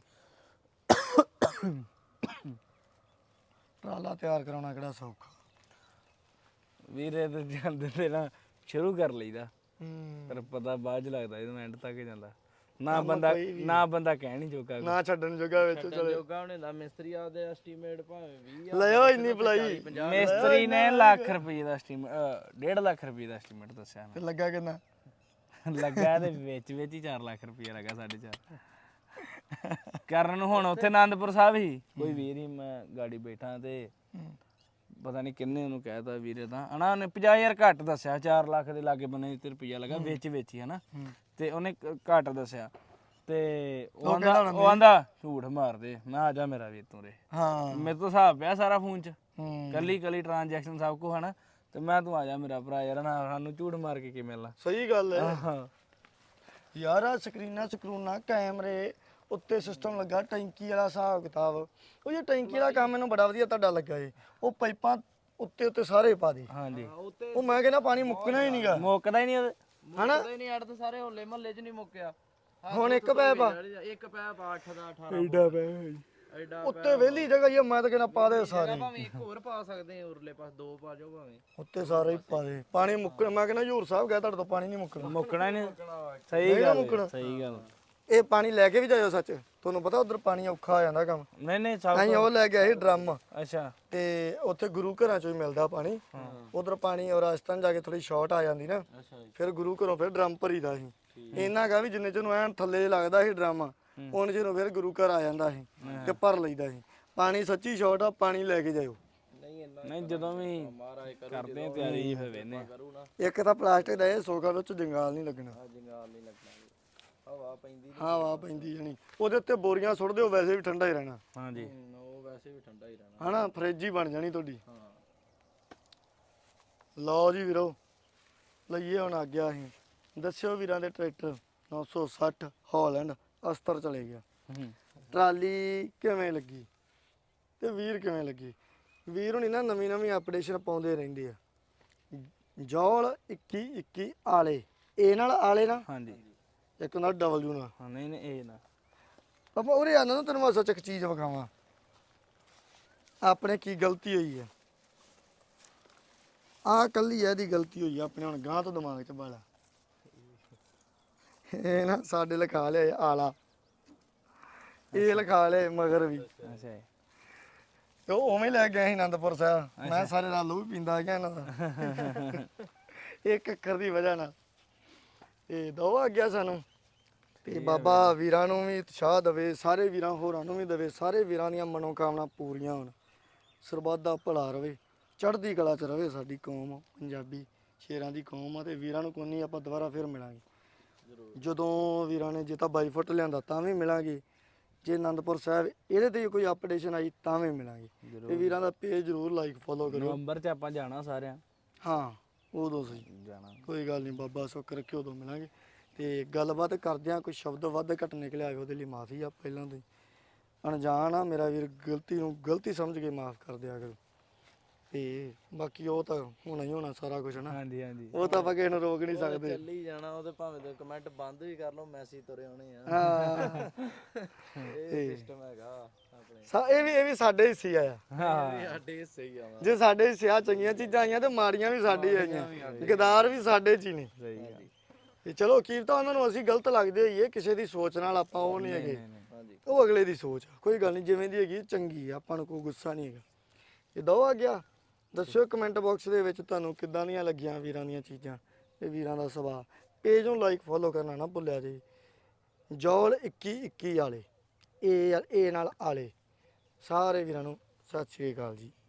ਟਰਾਲਾ ਤਿਆਰ ਕਰਾਉਣਾ ਕਿਹੜਾ ਸੌਖਾ ਵੀਰੇ ਤੇ ਜਾਂਦੇ ਤੇ ਨਾ ਸ਼ੁਰੂ ਕਰ ਲਈਦਾ, ਹੂੰ। ਪਰ ਪਤਾ ਬਾਅਦ ਚ ਲੱਗਦਾ ਜਦੋਂ ਐਂਡ ਤੱਕ ਜਾਂਦਾ। ਨਾ ਬੰਦਾ ਕਹਿ ਨਹੀਂ ਜੋਗਾ। ਨਾ ਛੱਡਣ ਜੋਗਾ ਵਿੱਚ ਚਲੇ ਜੋਗਾ ਉਹਨੇ ਦਾ ਮਿਸਤਰੀ ਆਪਦੇ ਐਸਟੀਮੇਟ ਭਾਵੇਂ 20 ਲਿਓ ਇੰਨੀ ਭਲਾਈ। ਮਿਸਤਰੀ ਨੇ ਲੱਖ ਰੁਪਏ ਦਾ ਐਸਟੀਮੇਟ 1.5 ਲੱਖ ਰੁਪਏ ਦਾ ਐਸਟੀਮੇਟ ਦੱਸਿਆ ਤੇ ਲੱਗਾ ਕਿੰਨਾ? ਲੱਗਾ ਤੇ ਵਿੱਚ ਹੀ 4 ਲੱਖ ਰੁਪਏ ਲੱਗਾ 4.5 ਕਰਨ ਨੂੰ। ਹੁਣ ਉੱਥੇ ਆਨੰਦਪੁਰ ਸਾਹਿਬ ਹੀ ਕੋਈ ਵੀਰ ਹੀ, ਮੈਂ ਗਾੜੀ ਬੈਠਾ ਤੇ ਪਤਾ ਨਹੀਂ ਕਿੰਨੇ ਉਹਨੂੰ ਕਹਿਤਾ ਵੀਰੇ ਤਾਂ ਹਨਾ, ਉਹਨੇ 50,000 ਘੱਟ ਦੱਸਿਆ, 4 ਲੱਖ ਦੇ ਲਾਗੇ ਬੰਨੇ ਤੇ ਰੁਪਈਆ ਲੱਗਾ ਵਿੱਚ ਹੀ ਹਨਾ, ਤੇ ਉਹਨੇ ਘੱਟ ਦੱਸਿਆ ਤੇ ਉਹ ਆਂਦਾ ਝੂਠ ਮਾਰਦੇ। ਮੈਂ ਆ ਜਾ ਮੇਰਾ ਵੀਰ ਤੂੰ ਰੇ, ਹਾਂ ਮੇਰੇ ਤੋਂ ਹਿਸਾਬ ਪਿਆ ਸਾਰਾ ਫੋਨ 'ਚ, ਹੂੰ। ਕੱਲੀ ਟ੍ਰਾਂਜੈਕਸ਼ਨ ਸਭ ਕੁਝ ਹਨਾ, ਤੇ ਮੈਂ ਤੂੰ ਆ ਜਾ ਮੇਰਾ ਭਰਾ ਯਾਰ, ਨਾ ਸਾਨੂੰ ਝੂਠ ਮਾਰ ਕੇ ਕੀ ਮਿਲਣਾ। ਸਹੀ ਗੱਲ ਹੈ ਹਾਂ ਯਾਰ। ਆ ਸਕਰੀਨਾਂ ਕੈਮਰੇ ਉੱਤੇ ਸਿਸਟਮ ਲੱਗਾ, ਟੈਂਕੀ ਵਾਲਾ ਹਿਸਾਬ ਕਿਤਾਬ। ਉਹ ਜੇ ਟੈਂਕੀ ਵਾਲਾ ਕੰਮ ਮੈਨੂੰ ਬੜਾ ਵਧੀਆ ਤੁਹਾਡਾ ਲੱਗਾ ਏ। ਉਹ ਪਾਈਪਾਂ ਉੱਤੇ ਸਾਰੇ ਪਾ ਦੇ। ਹਾਂਜੀ ਉਹ ਮੈਂ ਕਹਿੰਦਾ ਪਾਣੀ ਮੁੱਕਣਾ ਹੀ ਨਹੀਂਗਾ, ਮੁੱਕਦਾ ਹੀ ਨਹੀਂ ਹਨਾ। ਨਹੀਂ ਅੜ ਤਾਂ ਸਾਰੇ ਹੋਲੇ ਮਹੱਲੇ 'ਚ ਨਹੀਂ ਮੁੱਕਿਆ। ਹੁਣ ਇੱਕ ਪੈਪ ਆ, ਇੱਕ ਪੈਪ 8 ਦਾ 18 ਐਡਾ ਪੈ ਐਡਾ ਉੱਤੇ ਵਿਹਲੀ ਜਗ੍ਹਾ ਹੀ ਆ, ਮੈਂ ਤਾਂ ਕਹਿੰਦਾ ਪਾ ਦੇ ਸਾਰੇ। ਭਾਵੇਂ ਇੱਕ ਹੋਰ ਪਾ ਸਕਦੇ ਆ, ਉਰਲੇ ਪਾਸ 2 ਪਾ ਜਾਓ ਭਾਵੇਂ। ਉੱਤੇ ਸਾਰੇ ਹੀ ਪਾ ਦੇ, ਪਾਣੀ ਮੁੱਕਣਾ। ਮੈਂ ਕਹਿੰਦਾ ਹਜ਼ੂਰ ਸਾਹਿਬ ਗਿਆ ਤੁਹਾਡੇ ਤੋਂ ਪਾਣੀ ਨਹੀਂ ਮੁੱਕਣਾ। ਮੁੱਕਣਾ ਹੀ ਨਹੀਂ। ਸਹੀ ਗੱਲ ਸਹੀ ਗੱਲ। ਇਹ ਪਾਣੀ ਲੈ ਕੇ ਵੀ ਜਾਇਓ ਸੱਚ, ਤੁਹਾਨੂੰ ਪਤਾ ਉਧਰ ਪਾਣੀ ਔਖਾ ਹੋ ਜਾਂਦਾ ਕੰਮ। ਨਹੀਂ ਸਭ ਅਸੀਂ ਉਹ ਲੈ ਕੇ ਆਏ ਡਰਮ, ਅੱਛਾ ਤੇ ਉੱਥੇ ਗੁਰੂ ਘਰਾਂ ਚੋਂ ਹੀ ਮਿਲਦਾ ਪਾਣੀ। ਉਧਰ ਪਾਣੀ ਔਰ ਰਾਜਸਥਾਨ ਜਾ ਕੇ ਥੋੜੀ ਸ਼ਾਰਟ ਆ ਜਾਂਦੀ ਨਾ, ਫਿਰ ਗੁਰੂ ਘਰੋਂ ਫਿਰ ਡਰਮ ਭਰੀਦਾ ਸੀ। ਇਹਨਾਂ ਕਾ ਵੀ ਜਿੰਨੇ ਚਿਰ ਨੂੰ ਐਨ ਥੱਲੇ ਲੱਗਦਾ ਸੀ ਡਰਮ, ਉਹਨੇ ਚਿਰ ਫਿਰ ਗੁਰੂ ਘਰ ਆ ਜਾਂਦਾ ਸੀ ਤੇ ਭਰ ਲਈਦਾ ਸੀ ਪਾਣੀ। ਸੱਚੀ ਸ਼ਾਰਟ ਆ, ਪਾਣੀ ਲੈ ਕੇ ਜਾਇਓ। ਨਹੀਂ ਜਦੋਂ ਵੀ ਕਰਦੇ ਆ ਤਿਆਰੀ ਜੀ ਫਿਰ ਵੇਨੇ ਇੱਕ ਤਾਂ ਪਲਾਸਟਿਕ ਦਾ ਇਹ ਸੋਖਾ, ਵਿੱਚ ਜੰਗਾਲ ਨਹੀਂ ਲੱਗਣਾ। ਜੰਗਾਲ ਨਹੀਂ ਲੱਗਣਾ, ਹਵਾ ਪੈਂਦੀ ਹਵਾ ਪੈਂਦੀ ਜਣੀ ਉਹਦੇ ਉੱਤੇ ਬੋਰੀਆਂ ਸੁੱਟ ਦਿਓ, ਵੈਸੇ ਵੀ ਠੰਡਾ ਹੀ ਰਹਿਣਾ। ਹਾਂਜੀ ਉਹ ਵੈਸੇ ਵੀ ਠੰਡਾ ਹੀ ਰਹਿਣਾ ਹਨਾ, ਫਰਿੱਜ ਹੀ ਬਣ ਜਾਣੀ ਤੁਹਾਡੀ। ਹਾਂ। ਲਓ ਜੀ ਵੀਰੋ, ਲਈਏ ਹੁਣ ਆ ਗਿਆ। ਅਸੀਂ ਦੱਸਿਓ ਵੀਰਾਂ ਦੇ ਟਰੈਕਟਰ 960 ਹਾਲੈਂਡ ਅਸਤਰ ਚਲੇ ਗਿਆ। ਟਰਾਲੀ ਕਿਵੇਂ ਲੱਗੀ ਤੇ ਵੀਰ ਕਿਵੇਂ ਲੱਗੀ? ਵੀਰ ਹੁਣੀ ਨਾ ਨਵੀਂ ਅਪਡੇਸ਼ਨ ਪਾਉਂਦੇ ਰਹਿੰਦੇ ਆ। ਜੌਲ 21 ਆਲੇ, ਇਹ ਨਾਲ ਆਲੇ ਨਾ, ਹਾਂਜੀ ਇੱਕ ਨਾਲ W ਨਾਲ। ਹਾਂ ਨਹੀਂ ਇਹ ਨਾ ਪਾਪਾ ਉਰੇ ਆਣਾ ਨਾ, ਤੈਨੂੰ ਮੈਂ ਸੱਚ ਇੱਕ ਚੀਜ਼ ਵਿਖਾਵਾਂ ਆਪਣੇ ਕੀ ਗਲਤੀ ਹੋਈ ਹੈ। ਆਹ ਕੱਲੀ ਇਹਦੀ ਗਲਤੀ ਹੋਈ ਆ ਆਪਣੇ। ਹੁਣ ਗਾਂ ਤੋਂ ਦਿਮਾਗ 'ਚ ਬਾਲਾ ਇਹ ਨਾ ਸਾਡੇ ਲਿਖਾ ਲਿਆ ਆਲਾ, ਇਹ ਲਿਖਾ ਲਿਆ ਮਗਰ ਵੀ। ਅੱਛਾ ਤੇ ਉਹ ਉਵੇਂ ਲੈ ਗਿਆ ਸੀ ਆਨੰਦਪੁਰ ਸਾਹਿਬ। ਮੈਂ ਸਾਰੇ ਨਾਲ ਲਹੂ ਪੀਂਦਾ ਗਿਆ ਇਹਨਾਂ ਦਾ ਇੱਕ ਅੱਖਰ ਦੀ ਵਜ੍ਹਾ ਨਾਲ। ਤੇ ਦੋ ਆ ਗਿਆ ਸਾਨੂੰ। ਤੇ ਬਾਬਾ ਵੀਰਾਂ ਨੂੰ ਵੀ ਉਤਸ਼ਾਹ ਦੇਵੇ, ਸਾਰੇ ਵੀਰਾਂ ਹੋਰਾਂ ਨੂੰ ਵੀ ਦੇਵੇ, ਸਾਰੇ ਵੀਰਾਂ ਦੀਆਂ ਮਨੋਕਾਮਨਾ ਪੂਰੀਆਂ ਹੋਣ, ਸਰਬੱਤ ਦਾ ਭਲਾ ਰਵੇ, ਚੜ੍ਹਦੀ ਕਲਾ 'ਚ ਰਵੇ ਸਾਡੀ ਕੌਮ। ਪੰਜਾਬੀ ਸ਼ੇਰਾਂ ਦੀ ਕੌਮ ਆ, ਤੇ ਵੀਰਾਂ ਨੂੰ ਕੋਈ ਨਹੀਂ, ਆਪਾਂ ਦੁਬਾਰਾ ਫਿਰ ਮਿਲਾਂਗੇ ਜਦੋਂ ਵੀਰਾਂ ਨੇ ਜੇ ਤਾਂ 22 ਫੁੱਟ ਲਿਆਂਦਾ ਤਾਂ ਵੀ ਮਿਲਾਂਗੇ, ਜੇ ਆਨੰਦਪੁਰ ਸਾਹਿਬ ਇਹਦੇ ਤੇ ਕੋਈ ਅਪਡੇਸ਼ਨ ਆਈ ਤਾਂ ਵੀ ਮਿਲਾਂਗੇ। ਤੇ ਵੀਰਾਂ ਦਾ ਪੇਜ ਜ਼ਰੂਰ ਲਾਈਕ ਫੋਲੋ ਕਰੋ। ਨਵੰਬਰ 'ਚ ਆਪਾਂ ਜਾਣਾ ਸਾਰਿਆਂ ਹਾਂ ਉਦੋਂ ਸਹੀ ਜਾਣਾ। ਕੋਈ ਗੱਲ ਨਹੀਂ, ਬਾਬਾ ਸੁੱਖ ਰੱਖਿਓ, ਉਦੋਂ ਮਿਲਾਂਗੇ। ਤੇ ਗੱਲਬਾਤ ਕਰਦਿਆਂ ਕੋਈ ਸ਼ਬਦ ਵੱਧ ਘੱਟ ਨਿਕਲਿਆ ਹੋਵੇ ਉਹਦੇ ਲਈ ਮਾਫੀ ਆ ਪਹਿਲਾਂ ਤੋਂ ਹੀ। ਅਣਜਾਣ ਆ ਮੇਰਾ ਵੀਰ, ਗਲਤੀ ਨੂੰ ਗਲਤੀ ਸਮਝ ਕੇ ਮਾਫ ਕਰ ਦਿਆ ਕਰੋ। ਤੇ ਬਾਕੀ ਉਹ ਤਾਂ ਹੋਣਾ ਹੀ ਹੋਣਾ ਸਾਰਾ ਕੁਝ ਨਾ, ਹਾਂਜੀ ਹਾਂਜੀ ਉਹ ਤਾਂ ਆਪਾਂ ਕਿਸੇ ਨੂੰ ਰੋਕ ਨਹੀਂ ਉਹ ਤਾਂ ਸਕਦੇ। ਚੱਲੀ ਜਾਣਾ, ਉਹਦੇ ਭਾਵੇਂ ਤੇ ਕਮੈਂਟ ਬੰਦ ਵੀ ਕਰ ਲਓ, ਮੈਸੇਜ ਤੁਰੇ ਆਉਣੇ ਆ। ਹਾਂ ਇਹ ਸਿਸਟਮ ਹੈਗਾ ਆਪਣੇ, ਇਹ ਵੀ ਸਾਡੇ ਹਿੱਸੇ ਆ। ਇਹ ਵੀ ਸਾਡੇ ਹਿੱਸੇ ਹੀ ਆਵਾ। ਜੇ ਸਾਡੇ ਹਿੱਸੇ ਆ ਚੰਗੀਆਂ ਚੀਜ਼ਾਂ ਆਈਆਂ ਤੇ ਮਾੜੀਆਂ ਵੀ ਸਾਡੇ ਹੀ ਆਈਆਂ, ਗਦਾਰ ਵੀ ਸਾਡੇ ਚ ਹੀ ਨੇ। ਸਹੀ ਗੱਲ। ਤੇ ਚਲੋ ਕੀ ਤਾਂ ਉਹਨਾਂ ਨੂੰ ਅਸੀਂ ਗਲਤ ਲੱਗਦੇ ਹੋਈਏ, ਕਿਸੇ ਦੀ ਸੋਚ ਨਾਲ ਆਪਾਂ ਉਹ ਨਹੀਂ ਹੈਗੇ, ਹਾਂਜੀ ਉਹ ਅਗਲੇ ਦੀ ਸੋਚ ਆ। ਕੋਈ ਗੱਲ ਨਹੀਂ, ਜਿਵੇਂ ਦੀ ਹੈਗੀ ਚੰਗੀ ਆ, ਆਪਾਂ ਨੂੰ ਕੋਈ ਗੁੱਸਾ ਨਹੀਂ ਹੈਗਾ। ਇਹ ਦੋ ਆ ਗਿਆ, ਦੱਸਿਓ ਕਮੈਂਟ ਬਾਕਸ ਦੇ ਵਿੱਚ ਤੁਹਾਨੂੰ ਕਿੱਦਾਂ ਦੀਆਂ ਲੱਗੀਆਂ ਵੀਰਾਂ ਦੀਆਂ ਚੀਜ਼ਾਂ, ਇਹ ਵੀਰਾਂ ਦਾ ਸੁਭਾਅ। ਪੇਜ ਨੂੰ ਲਾਈਕ ਫੋਲੋ ਕਰਨਾ ਨਾ ਭੁੱਲਿਆ ਜੀ, ਜੌਲ 2121 ਵਾਲੇ, ਏ ਨਾਲ ਆਲੇ। ਸਾਰੇ ਵੀਰਾਂ ਨੂੰ ਸਤਿ ਸ਼੍ਰੀ ਅਕਾਲ ਜੀ।